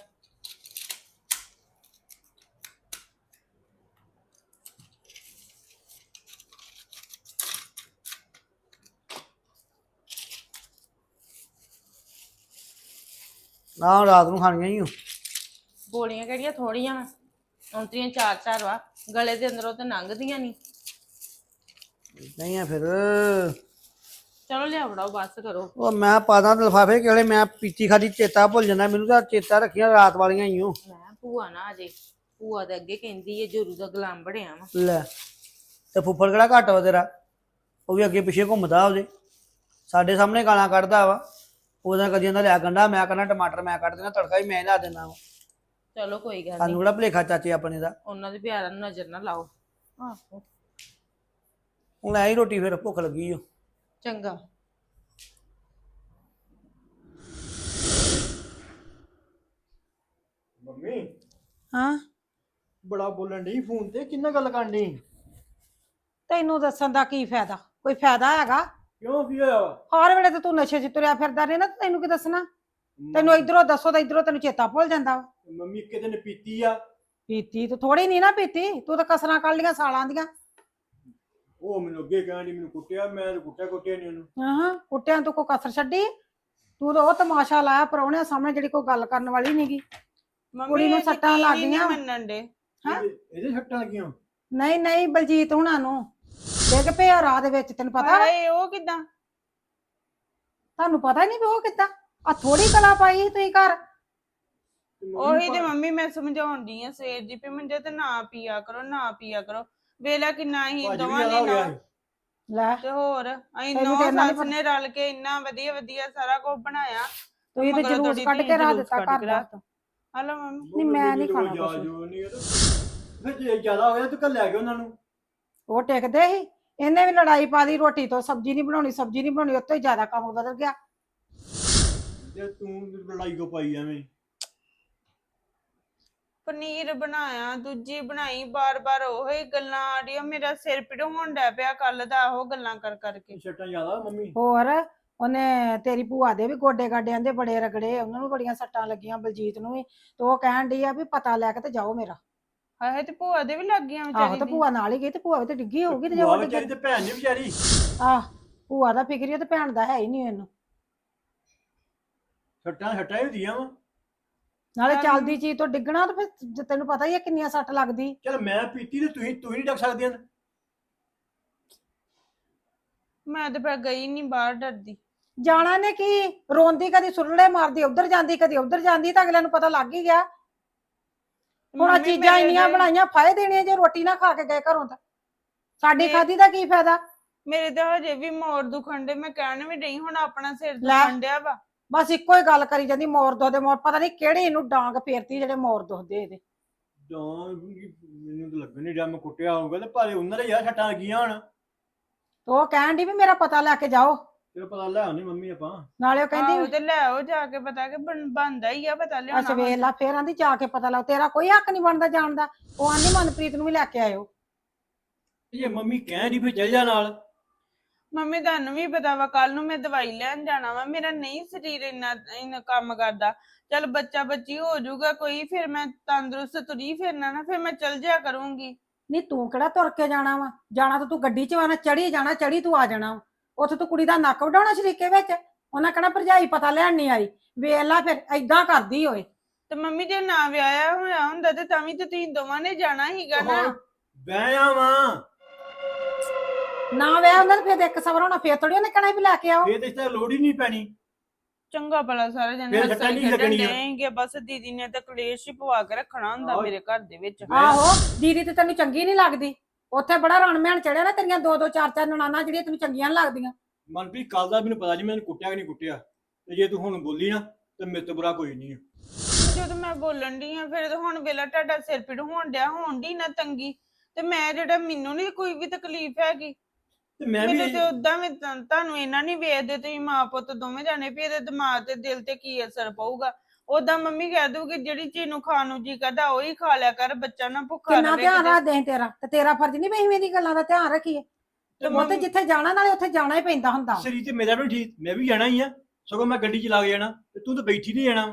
S3: ਨਾ ਰਾਤ ਨੂੰ ਖਾਣੀਆਂ ਹੀ।
S1: ਗੋਲੀਆਂ ਕਿਹੜੀਆਂ ਥੋੜੀਆਂ ਔਂਤਰੀਆਂ ਚਾਰ ਚਾਰ ਵਾ, ਗਲੇ ਦੇ ਅੰਦਰੋਂ ਤੇ ਲੰਘਦੀਆਂ ਨਹੀਂ।
S3: ਨਹੀਂ ਆ ਫਿਰ
S1: ਚਲੋ ਲਿਆ ਫੜਾਓ, ਬਸ ਕਰੋ।
S3: ਉਹ ਮੈਂ ਪਾਦਾ ਲਿਫਾਫੇ ਕਿਹੜੇ, ਮੈਂ ਪੀਤੀ ਖਾਦੀ ਚੇਤਾ ਭੁੱਲ ਜਾਂਦਾ ਮੈਨੂੰ ਤਾਂ। ਚੇਤਾ ਰੱਖੀਆਂ ਰਾਤ ਵਾਲੀਆਂ ਹੀ ਓ।
S1: ਮੈਂ ਭੂਆ ਨਾ ਅਜੇ, ਭੂਆ ਦੇ ਅੱਗੇ ਕਹਿੰਦੀ ਏ ਜੋਰੂ ਦਾ ਗੁਲਾਮ ਬਣਿਆ ਵਾ।
S3: ਲੈ ਤੇ ਫੁੱਫੜ ਕਿਹੜਾ ਘੱਟ ਵਾ ਤੇਰਾ, ਉਹ ਵੀ ਅੱਗੇ ਪਿੱਛੇ ਘੁੰਮਦਾ ਉਹਦੇ, ਸਾਡੇ ਸਾਹਮਣੇ ਗਾਲਾਂ ਕੱਢਦਾ ਵਾ। ਉਹਦਾ ਕਦੀ ਕਹਿੰਦਾ ਲਿਆ ਗੰਢਾ, ਮੈਂ ਕਹਿੰਦਾ ਟਮਾਟਰ ਮੈਂ ਕੱਢ ਦੇਣਾ, ਤੜਕਾ ਵੀ ਮੈਂ ਲਾ ਦੇਣਾ ਵਾ।
S1: ਚਲੋ ਕੋਈ ਗੱਲ
S3: ਸਾਨੂੰ
S1: ਨਹੀਂ,
S3: ਕਿਹੜਾ ਭੁਲੇਖਾ ਚਾਚੇ ਆਪਣੇ ਦਾ।
S1: ਉਹਨਾਂ ਦੇ ਪਿਆਰਾਂ ਨੂੰ ਨਜ਼ਰ ਨਾ ਲਾਓ। ਆਹੋ
S3: ਹੁਣ ਐ ਹੀ ਰੋਟੀ, ਫਿਰ ਭੁੱਖ ਲੱਗੀ ਓ।
S1: ਚੰਗਾ।
S4: ਮੰਮੀ
S5: ਹਾਂ
S4: ਬੜਾ ਬੋਲਣ ਡਈ ਫੋਨ ਤੇ, ਕਿੰਨਾ ਗੱਲ ਕਰਨ ਡਈ?
S5: ਤੈਨੂੰ ਦੱਸਣ ਦਾ ਕੀ ਫਾਇਦਾ? ਕੋਈ ਫਾਇਦਾ ਹੈਗਾ?
S4: ਕਿਉਂ ਕੀ ਹੋਇਆ ਵਾ?
S5: ਹਰ ਵੇਲੇ ਤੇ ਤੂੰ ਨਸ਼ੇ 'ਚ ਤੁਰਿਆ ਫਿਰਦਾ ਰਹਿ ਨਾ, ਤੈਨੂੰ ਕੀ ਦੱਸਣਾ? ਤੈਨੂੰ ਇਧਰੋਂ ਦੱਸੋ ਤਾਂ ਇਧਰੋਂ ਤੈਨੂੰ ਚੇਤਾ ਭੁੱਲ ਜਾਂਦਾ ਵਾ।
S4: ਮੰਮੀ ਇੱਕ ਦਿਨ ਪੀਤੀ ਆ,
S5: ਪੀਤੀ ਤੂੰ ਥੋੜੀ ਨਹੀਂ ਨਾ ਪੀਤੀ, ਤੂੰ ਤਾਂ ਕਸਰਾਂ ਕੱਢ ਲੀਆਂ ਸਾਲਾਂ ਦੀਆਂ।
S4: ਉਹ ਮੈਨੂੰ ਅੱਗੇ ਕਹਿਣ ਡਈ ਮੈਨੂੰ ਕੁੱਟਿਆ, ਮੈਂ ਤਾਂ ਕੁੱਟਿਆ ਨਹੀਂ ਉਹਨੂੰ।
S5: ਹਾਂ ਕੁੱਟਿਆਂ ਤੂੰ ਕੋਈ ਕਸਰ ਛੱਡੀ? ਤੂੰ ਤਾਂ ਉਹ ਤਮਾਸ਼ਾ ਲਾਇਆ ਪ੍ਰਾਹੁਣਿਆਂ ਸਾਹਮਣੇ ਜਿਹੜੀ ਕੋਈ ਗੱਲ ਕਰਨ ਵਾਲੀ ਨਹੀਂਗੀ। ਕੁੜੀ ਨੂੰ ਸੱਟਾਂ ਲੱਗ ਗਈਆਂ।
S1: ਮੰਨਣ ਦੇ
S5: ਹਾਂ?
S4: ਇਹਦੇ ਸੱਟਾਂ ਲੱਗੀਆਂ?
S5: ਨਹੀਂ ਨਹੀਂ, ਬਲਜੀਤ ਹੁਣਾਂ ਨੂੰ ਡਿੱਗ ਪਿਆ ਰਾਹ ਦੇ ਵਿੱਚ, ਤੈਨੂੰ ਪਤਾ ਵਾ?
S6: ਉਹ ਕਿਦਾਂ?
S5: ਤੁਹਾਨੂੰ ਪਤਾ ਨਹੀਂ ਵੀ ਉਹ ਕਿੱਦਾਂ? ਆ ਥੋੜੀ ਕਲਾ ਪਾਈ ਸੀ ਤੁਸੀਂ ਘਰ।
S4: ਤੇ ਮੰਮੀ
S6: ਉਹੀ ਤੇ ਮੰਮੀ ਮੈਂ ਸਮਝਾਉਣ ਦੀ ਆ ਸਵੇਰ ਦੀ ਵੀ ਮੰਜੇ ਤੇ ਨਾ ਪੀਆ ਕਰੋ, ਨਾ ਪੀਆ ਕਰੋ। ਵੇਲਾ ਕਿੰਨਾ ਹੀ
S4: ਭਾਜੀ ਵੀ
S6: ਦੋਵਾਂ
S4: ਜ਼ਿਆਦਾ ਹੋ
S6: ਨੇ
S4: ਗਿਆ
S6: ਨਾ
S4: ਸੀ।
S5: ਲੈ
S6: ਤੇ ਹੋਰ ਅਸੀਂ
S5: ਤੈਨੂੰ
S6: ਨੌ
S5: ਤਾਂ ਇੰਨਾ ਨੀ
S6: ਸੱਸ ਨੇ ਰਲ ਕੇ ਇੰਨਾ ਵਧੀਆ ਵਧੀਆ ਸਾਰਾ ਕੁਝ ਬਣਾਇਆ।
S5: ਤੁਸੀਂ ਤੇ
S6: ਮਗਰੋਂ
S5: ਜਲੂਸ
S6: ਤੁਹਾਡੀ
S5: ਕੱਢ
S6: ਧੀ
S5: ਕੇ ਰਾਹ
S6: ਜਲੂਸ
S5: ਦਿੱਤਾ
S6: ਕੱਢ
S5: ਘਰ
S6: ਕੇ
S5: ਦਾ।
S6: ਰੱਖਤਾ। ਹਲੋ ਮੰਮੀ
S5: ਨਹੀਂ, ਮੈਂ ਨੀ ਖਾਣਾ ਕੁਛ ਵੀ।
S4: ਫਿਰ ਜੇ ਜ਼ਿਆਦਾ ਹੋਇਆ ਤੂੰ ਕੱਲ ਲੈ ਗਿਆ ਉਹਨਾਂ ਨੂੰ।
S5: ਉਹ ਟਿਕਦੇ ਸੀ, ਇਹਨੇ ਵੀ ਲੜਾਈ ਪਾ ਦੀ ਰੋਟੀ ਤੋਂ, ਸਬਜ਼ੀ ਨਹੀਂ ਬਣਾਉਣੀ, ਸਬਜ਼ੀ ਨਹੀਂ ਬਣਾਉਣੀ, ਉੱਤੋਂ ਹੀ ਜ਼ਿਆਦਾ ਕੰਮ ਬਦਲ ਗਿਆ।
S4: ਤੇ ਤੂੰ ਲੜਾਈ ਕੋ ਪਾਈ ਐਵੇਂ?
S6: ਪਨੀਰ ਬਣਾਇਆ, ਦੂਜੀ ਬਣਾਈ, ਬਾਰ-ਬਾਰ ਉਹੀ ਗੱਲਾਂ ਆ ਰਹੀਆਂ। ਮੇਰਾ ਸਿਰ ਪੀੜ ਹੋਣ ਡਿਆ ਪਿਆ ਕੱਲ ਦਾ ਉਹ ਗੱਲਾਂ ਕਰ ਕਰਕੇ।
S4: ਸੱਟਾਂ ਜ਼ਿਆਦਾ ਮੰਮੀ?
S5: ਹੋਰ ਉਹਨੇ ਤੇਰੀ ਭੂਆ ਦੇ ਵੀ ਗੋਡੇ ਗਾਡਿਆਂ ਦੇ ਬੜੇ ਰਗੜੇ, ਉਹਨਾਂ ਨੂੰ ਬੜੀਆਂ ਸੱਟਾਂ ਲੱਗੀਆਂ, ਬਲਜੀਤ ਨੂੰ ਵੀ। ਤੇ ਉਹ ਕਹਿਣ ਡਈ ਆ ਵੀ ਪਤਾ ਲੈ ਕੇ ਤੇ ਜਾਓ ਮੇਰਾ।
S6: ਹਾਏ ਤੇ ਭੂਆ ਦੇ ਵੀ ਲੱਗ ਗਈਆਂ
S5: ਆਹੋ
S6: ਵਿਚਾਰੀ
S5: ਤੇ
S6: ਦੀ।
S5: ਭੂਆ ਨਾਲ ਹੀ ਗਈ, ਤੇ ਭੂਆ ਵੀ ਤੇ ਡਿੱਗੀ ਹੋਊਗੀ, ਤੇ ਜੇ
S4: ਭੂਆ
S5: ਉਹ
S4: ਵਿਚਾਰੀ
S5: ਡਿੱਗੀ।
S4: ਤੇ ਭੈਣ ਨੀ ਵਿਚਾਰੀ।
S5: ਆਹ ਭੂਆ ਦਾ ਫਿਕਰੀ ਤੇ ਭੈਣ ਦਾ ਹੈ ਹੀ ਨਹੀਂ ਇਹਨੂੰ।
S4: ਸੱਟਾਂ ਹੀ ਹੁੰਦੀਆਂ ਵਾ।
S5: ਨਾਲੇ
S6: ਚੱਲ।
S5: ਚੱਲਦੀ ਚੀਜ਼ ਤੋਂ ਡਿੱਗਣਾ ਤੇ ਫਿਰ ਤੈਨੂੰ ਪਤਾ ਹੀ ਹੈ ਕਿੰਨੀਆਂ ਸੱਟ ਲੱਗਦੀ।
S4: ਚਲ ਮੈਂ ਪੀਤੀ ਤੇ ਤੁਸੀਂ ਨਹੀਂ ਡੱਕ ਸਕਦੀਆਂ।
S6: ਮੈਂ ਤੇ ਫਿਰ ਗਈ ਨਹੀਂ ਬਾਹਰ, ਡਰਦੀ।
S5: ਜਾਣਾ ਨੇ ਕੀ, ਰੋਂਦੀ ਕਦੀ ਸੁਰਲੇ ਮਾਰਦੀ ਉਧਰ ਜਾਂਦੀ ਕਦੀ ਉਧਰ ਜਾਂਦੀ, ਤਾਂ ਅਗਲਿਆਂ ਨੂੰ ਪਤਾ ਲੱਗ ਹੀ ਗਿਆ। ਹੁਣ ਆਹ
S6: ਮੰਮੀ
S5: ਚੀਜ਼ਾਂ
S6: ਮੇਰੇ
S5: ਇੰਨੀਆਂ
S6: ਤੇ-
S5: ਬਣਾਈਆਂ ਫਾਇਦੇ ਦੇਣੇ ਜੇ ਰੋਟੀ ਨਾ ਖਾ ਕੇ ਗਏ ਘਰੋਂ ਤਾਂ ਸਾਡੀ
S6: ਇਹ-
S5: ਖਾਦੀ ਦਾ ਕੀ ਫਾਇਦਾ।
S6: ਮੇਰੇ ਤਾਂ ਹਜੇ ਵੀ ਮੋਰ ਦੁਖਣ ਡੇ, ਮੈਂ ਕਹਿਣ ਵੀ ਡਈ ਹੁਣ ਆਪਣਾ ਸਿਰ
S5: ਲੈ।
S6: ਦੁਖਣ ਡਿਆ ਵਾ।
S5: ਬਸ ਇੱਕੋ ਹੀ ਗੱਲ ਕਰੀ ਜਾਂਦੀ, ਮੋਰ ਦੁਖਦੇ ਮੋਰ, ਪਤਾ ਨਹੀਂ ਕਿਹੜੇ ਇਹਨੂੰ ਡਾਂਗ ਫੇਰਤੀ ਜਿਹੜੇ ਮੋਰ ਦੁਖਦੇ ਇਹਦੇ।
S4: ਜਾਂ ਮੈਨੂੰ ਤਾਂ ਲੱਗਣ ਨਹੀਂ ਰਿਹਾ ਮੈਂ ਕੁੱਟਿਆ ਹੋਊਗਾ ਤੇ ਭਾਵੇਂ ਉਹਨਾਂ ਦੇ ਯਾਰ ਸੱਟਾਂ ਲੱਗੀਆਂ ਹੁਣ।
S5: ਤੇ ਉਹ ਕਹਿਣ ਦੀ ਵੀ ਮੇਰਾ ਪਤਾ ਲੈ ਕੇ ਜਾਓ,
S4: ਤੇਰਾ ਪਤਾ ਲੈ ਆਉਣੀ ਮੰਮੀ ਆਪਾਂ।
S5: ਨਾਲੇ ਉਹ
S6: ਆਹੋ
S5: ਕਹਿੰਦੀ
S6: ਤੇ ਲੈ ਆਓ ਜਾ ਕੇ, ਪਤਾ ਕਿ ਬਣਦਾ ਹੀ ਆ ਪਤਾ ਲਿਆਉਣਾ
S5: ਅੱਛਾ ਵੇਖ ਲਾ, ਫੇਰ ਆਂਦੀ ਜਾ ਕੇ ਪਤਾ ਲਾਓ, ਤੇਰਾ ਕੋਈ ਹੱਕ ਨਹੀਂ ਬਣਦਾ ਜਾਣ ਦਾ। ਉਹ ਆਂਦੀ ਮਨਪ੍ਰੀਤ ਨੂੰ ਵੀ ਲੈ ਕੇ ਆਇਓ।
S4: ਜੇ ਮੰਮੀ ਕਹਿਣ ਦੀ ਫਿਰ ਚੱਲ ਜਾ ਨਾਲ।
S6: ਮੰਮੀ ਤੁਹਾਨੂੰ ਵੀ ਪਤਾ ਵਾ ਕੱਲ ਨੂੰ ਮੈਂ ਦਵਾਈ ਲੈਣ ਜਾਣਾ ਵਾ, ਮੇਰਾ ਨਹੀਂ ਸਰੀਰ ਇੰਨਾ ਕੰਮ ਕਰਦਾ। ਚੱਲ ਬੱਚਾ ਬੱਚੀ ਹੋ ਜਾਊਗਾ ਕੋਈ, ਫਿਰ ਮੈਂ ਤੰਦਰੁਸਤ ਤੁਰੀ ਫਿਰਨਾ ਨਾ, ਫਿਰ ਮੈਂ ਚੱਲ ਜਿਆ ਕਰੂੰਗੀ।
S5: ਨਹੀਂ ਤੂੰ ਕਿਹੜਾ ਤੁਰ ਕੇ ਜਾਣਾ ਵਾ, ਜਾਣਾ ਤਾਂ ਤੂੰ ਗੱਡੀ 'ਚ ਵਾ ਨਾ, ਚੜੀ ਜਾਣਾ, ਚੜੀ ਤੂੰ ਆ ਜਾਣਾ ਵਾ। ਉੱਥੇ ਤੂੰ ਕੁੜੀ ਦਾ ਨੱਕ ਵਡਾਉਣਾ ਸ਼ਰੀਕੇ ਵਿੱਚ, ਉਹਨਾਂ ਕਹਿਣਾ ਭਰਜਾਈ ਪਤਾ ਲੈਣ ਨਹੀਂ ਆਈ। ਵੇਖ ਲਾ ਫਿਰ ਏਦਾਂ ਕਰਦੀ ਓਏ।
S6: ਤੇ ਮੰਮੀ ਜੇ ਨਾ ਵਿਆਹਿਆ ਹੋਇਆ ਹੁੰਦਾ ਤੇ ਤਾਂ ਵੀ ਤੇ ਤੁਸੀਂ ਦੋਵਾਂ ਨੇ ਜਾਣਾ ਹੀਗਾ ਨਾ।
S4: ਬਹਿਆ ਵਾਂ
S5: ਨਾ ਵਿਆਹ ਹੁੰਦਾ ਤਾਂ ਫਿਰ ਇੱਕ ਸਬਰ ਹੋਣਾ, ਫਿਰ ਥੋੜੀ ਉਹਨੇ ਕਹਿਣਾ ਵੀ ਲੈ ਕੇ ਆਓ।
S4: ਇਹ ਤੇ ਇਸ ਤਰ੍ਹਾਂ ਲੋੜ ਹੀ ਨਹੀਂ ਪੈਣੀ।
S6: ਚੰਗਾ ਭਲਾ ਸਾਰੇ ਜਣੇ
S4: ਫਿਰ ਸੱਟਾਂ ਨਹੀਂ ਲੱਗਣੀਆਂ।
S6: ਦੇਣਗੇ, ਬਸ ਦੀਦੀ ਨੇ ਤਾਂ ਕਲੇਸ਼ ਹੀ ਪਵਾ ਕੇ ਰੱਖਣਾ ਹੁੰਦਾ
S4: ਆਹੋ।
S6: ਮੇਰੇ ਘਰ ਦੇ ਵਿੱਚ।
S5: ਆਹੋ ਦੀਦੀ ਤੇ ਤੈਨੂੰ ਚੰਗੀ ਨਹੀਂ ਲੱਗਦੀ, ਉੱਥੇ ਬੜਾ ਰਣ ਮਹਿਣ ਚੜਿਆ ਨਾ, ਤੇਰੀਆਂ ਦੋ ਦੋ ਚਾਰ ਚਾਰ ਨਨਾਣਾ ਜਿਹੜੀਆਂ ਤੈਨੂੰ ਚੰਗੀਆਂ ਨੀ ਲੱਗਦੀਆਂ।
S4: ਮਨਪ੍ਰੀਤ ਕੱਲ ਦਾ ਮੈਨੂੰ ਪਤਾ ਨਹੀਂ ਮੈਨੂੰ ਕੁੱਟਿਆ ਕਿ ਨਹੀਂ ਕੁੱਟਿਆ, ਤੇ ਜੇ ਤੂੰ ਹੁਣ ਬੋਲੀ ਨਾ ਤੇ ਮੇਰੇ ਤੋਂ ਬੁਰਾ ਕੋਈ ਨਹੀਂ।
S6: ਜਦੋਂ ਮੈਂ ਬੋਲਣ ਡਈ ਆ ਫਿਰ ਹੁਣ ਵੇਲਾ ਤੁਹਾਡਾ ਸਿਰ ਪੀੜ ਹੋਣ ਡਿਆ, ਹੋਣ ਡਈ ਨਾ ਤੰਗੀ, ਤੇ ਮੈਂ ਜਿਹੜਾ ਮੈਨੂੰ ਨਹੀਂ ਕੋਈ ਵੀ ਤਕਲੀਫ ਹੈਗੀ।
S4: ਤੇ ਮੈਂ ਵੀ
S6: ਮੈਨੂੰ ਤੇ ਉਦਾਂ ਵੀ ਤੁਹਾਨੂੰ ਇਹਨਾਂ ਨਹੀਂ ਵੇਖਦੇ, ਤੁਸੀਂ ਮਾਂ ਪੁੱਤ ਦੋਵੇਂ ਜਾਣੇ ਵੀ ਇਹਦੇ ਦਿਮਾਗ ਤੇ ਦਿਲ ਤੇ ਕੀ ਅਸਰ ਪਊਗਾ। ਉਦਾਂ ਮੰਮੀ ਕਹਿ ਦੂਗੀ ਜਿਹੜੀ ਚੀਜ਼ ਨੂੰ ਖਾਣ ਨੂੰ ਜੀ ਕਰਦਾ ਉਹੀ ਖਾ ਲਿਆ ਕਰ, ਬੱਚਾ ਨਾ ਭੁੱਖਾ
S5: ਕਿੰਨਾ
S6: ਰਹੇ
S5: ਧਿਆਨ
S6: ਕਿਤੇ।
S5: ਰੱਖਦੇ ਤੇਰਾ, ਤੇ ਤੇਰਾ ਫਰਜ਼ ਨਹੀਂ ਵੀ ਅਸੀਂ ਦੀ ਗੱਲਾਂ ਦਾ ਧਿਆਨ ਰੱਖੀਏ।
S4: ਤੇ
S5: ਉਹ ਤੇ ਜਿੱਥੇ ਜਾਣਾ ਨਾਲੇ ਉੱਥੇ ਜਾਣਾ ਹੀ ਪੈਂਦਾ ਹੁੰਦਾ।
S4: ਸਰੀਰ ਤੇ ਮੇਰਾ ਵੀ ਠੀਕ, ਮੈਂ ਵੀ ਜਾਣਾ ਹੀ ਆ, ਸਗੋਂ ਮੈਂ ਗੱਡੀ ਚਲਾ ਕੇ ਜਾਣਾ ਤੇ ਤੂੰ ਤਾਂ ਬੈਠੀ ਨਹੀਂ ਜਾਣਾ।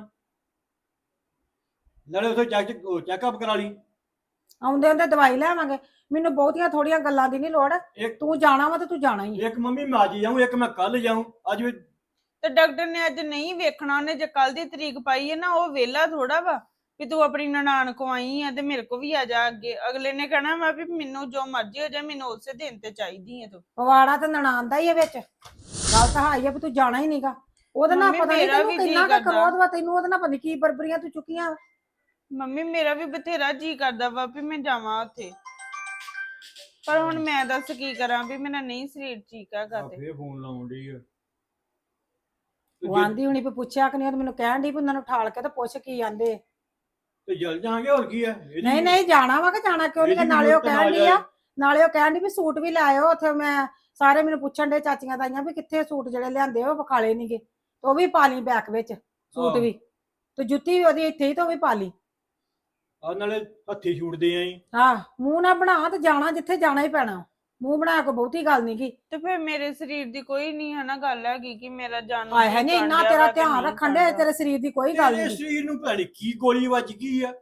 S4: ਨਾਲੇ ਉੱਥੇ ਚੈੱਕਅਪ ਕਰਾ ਲਈ।
S5: ਆਉਂਦੇ ਹੁੰਦੇ ਦਵਾਈ ਲੈਵਾਂਗੇ, ਮੈਨੂੰ ਬਹੁਤੀਆਂ ਥੋੜੀਆਂ ਗੱਲਾਂ ਦੀ ਨਹੀਂ ਲੋੜ।
S4: ਇੱਕ
S5: ਤੂੰ ਜਾਣਾ ਵਾ ਤੇ ਤੂੰ ਜਾਣਾ ਹੀ ਹੈ।
S4: ਇੱਕ ਮੰਮੀ ਮੈਂ ਅੱਜ ਜਾਊਂ, ਇੱਕ ਮੈਂ ਕੱਲ ਜਾਊਂ। ਅੱਜ ਵੀ
S6: ਤੇ ਡਾਕਟਰ ਨੇ ਅੱਜ ਨਹੀਂ ਵੇਖਣਾ, ਉਹਨੇ ਜੇ ਕੱਲ ਦੀ ਤਰੀਕ ਪਾਈ ਹੈ ਨਾ, ਉਹ ਵੇਲਾ ਥੋੜਾ ਵਾ ਵੀ ਤੂੰ ਆਪਣੀ ਨਨਾਣ ਕੋ ਆਈ ਆ ਤੇ ਮੇਰੇ ਕੋ ਵੀ ਆ ਜਾ ਅੱਗੇ। ਅਗਲੇ ਨੇ ਕਹਿਣਾ ਵਾ ਵੀ ਮੈਨੂੰ ਜੋ ਮਰਜ਼ੀ ਹੋ ਜਾਏ, ਮੈਨੂੰ ਉਸੇ ਦਿਨ ਤੇ ਚਾਹੀਦੀ ਹੈ ਤੂੰ।
S5: ਪਵਾੜਾ ਤੇ ਨਨਾਣ ਦਾ ਹੀ ਹੈ ਵਿੱਚ, ਗੱਲ ਤਾਂ ਹਾਈ ਹੈ ਵੀ ਤੂੰ ਜਾਣਾ ਹੀ ਨਹੀਂਗਾ। ਉਹਦੇ ਨਾਲ
S6: ਮੰਮੀ
S5: ਪਤਾ ਨਹੀਂ
S6: ਮੇਰਾ
S5: ਤੈਨੂੰ
S6: ਵੀ ਜੀਅ
S5: ਕਿੰਨਾ ਕੁ
S6: ਕਰਦਾ।
S5: ਕਰੋਧ ਵਾ ਤੈਨੂੰ, ਉਹਦੇ ਨਾਲ ਪਤਾ ਨੀ ਕੀ ਬਰਬਰੀਆਂ ਤੂੰ ਚੁੱਕੀਆਂ।
S6: ਮੰਮੀ ਮੇਰਾ ਵੀ ਬਥੇਰਾ ਜੀ ਕਰਦਾ ਵਾ ਵੀ ਮੈਂ ਜਾਵਾਂ ਉੱਥੇ, ਪਰ ਹੁਣ ਮੈਂ ਦੱਸ ਕੀ ਕਰਾਂ ਵੀ ਮੇਰਾ ਨਹੀਂ ਸਰੀਰ ਠੀਕ ਹੈਗਾ ਤੇ।
S4: ਫੇਰ ਫੋਨ ਲਾਉਣ ਡਈ ਆ।
S5: ਉਹ ਆਂਦੀ ਹੁਣੀ ਵੀ ਪੁੱਛਿਆ ਕਿ ਨਹੀਂ, ਉਹ ਤਾਂ ਮੈਨੂੰ ਕਹਿਣ ਦੀ ਵੀ ਉਹਨਾਂ ਨੂੰ ਠਾਲ ਕੇ ਤੇ ਪੁੱਛ ਕੀ ਆਂਦੇ।
S4: ਤੇ ਜਲ ਜਾਾਂਗੇ ਹੋਰ ਕੀ ਆ।
S5: ਨਹੀਂ ਨਹੀਂ ਜਾਣਾ ਵਾ ਕਿ ਜਾਣਾ ਕਿਉਂ ਨਹੀਂ,
S4: ਇਹਦੀ
S5: ਨਾਲੇ ਉਹ
S4: ਜ਼ਰੂਰਤ
S5: ਕਹਿਣ
S4: ਨਾ
S5: ਦੀ ਆ, ਨਾਲੇ ਉਹ ਕਹਿਣ ਦੀ ਵੀ ਸੂਟ ਵੀ ਲੈ ਆਇਓ ਉੱਥੇ। ਮੈਂ ਸਾਰੇ ਮੈਨੂੰ ਪੁੱਛਣ ਦੇ ਚਾਚੀਆਂ ਤਾਈਆਂ ਵੀ ਕਿੱਥੇ ਸੂਟ ਜਿਹੜੇ ਲਿਆਂਦੇ ਉਹ ਵਿਖਾਲੇ ਨਹੀਂਗੇ, ਤੇ ਉਹ ਵੀ ਪਾ ਲਈ ਬੈਗ ਵਿੱਚ ਸੂਟ
S4: ਆਹ।
S5: ਵੀ, ਤੇ ਜੁੱਤੀ ਵੀ ਉਹਦੀ ਇੱਥੇ ਹੀ ਤੇ ਉਹ ਵੀ ਪਾ ਲਈ।
S4: ਆ ਨਾਲੇ ਹੱਥੀ ਛੂਟਦੇ ਆਂ।
S5: ਹਾਂ ਮੂੰਹ ਨਾ ਬਣਾ, ਤੇ ਜਾਣਾ ਜਿੱਥੇ ਜਾਣਾ ਹੀ ਪੈਣਾ, ਮੂੰਹ ਬਣਾ ਕੇ ਬਹੁਤੀ ਗੱਲ ਨੀ ਗੀ।
S6: ਤੇ ਫਿਰ ਮੇਰੇ ਸਰੀਰ ਦੀ ਕੋਈ ਨਹੀਂ ਹੈ ਨਾ ਗੱਲ ਹੈਗੀ ਕਿ ਮੇਰਾ ਜਾਨ
S5: ਆਏ ਹੈ ਨਹੀਂ ਇੰਨਾ ਤੇਰਾ ਧਿਆਨ ਰੱਖਣ ਦੇ, ਤੇਰੇ ਸਰੀਰ ਦੀ ਕੋਈ ਗੱਲ
S4: ਤੇਰੇ
S5: ਨਹੀਂ।
S4: ਸਰੀਰ ਨੂੰ ਭੈਣੀ ਕੀ ਗੋਲੀ ਵੱਜ ਗਈ ਆ।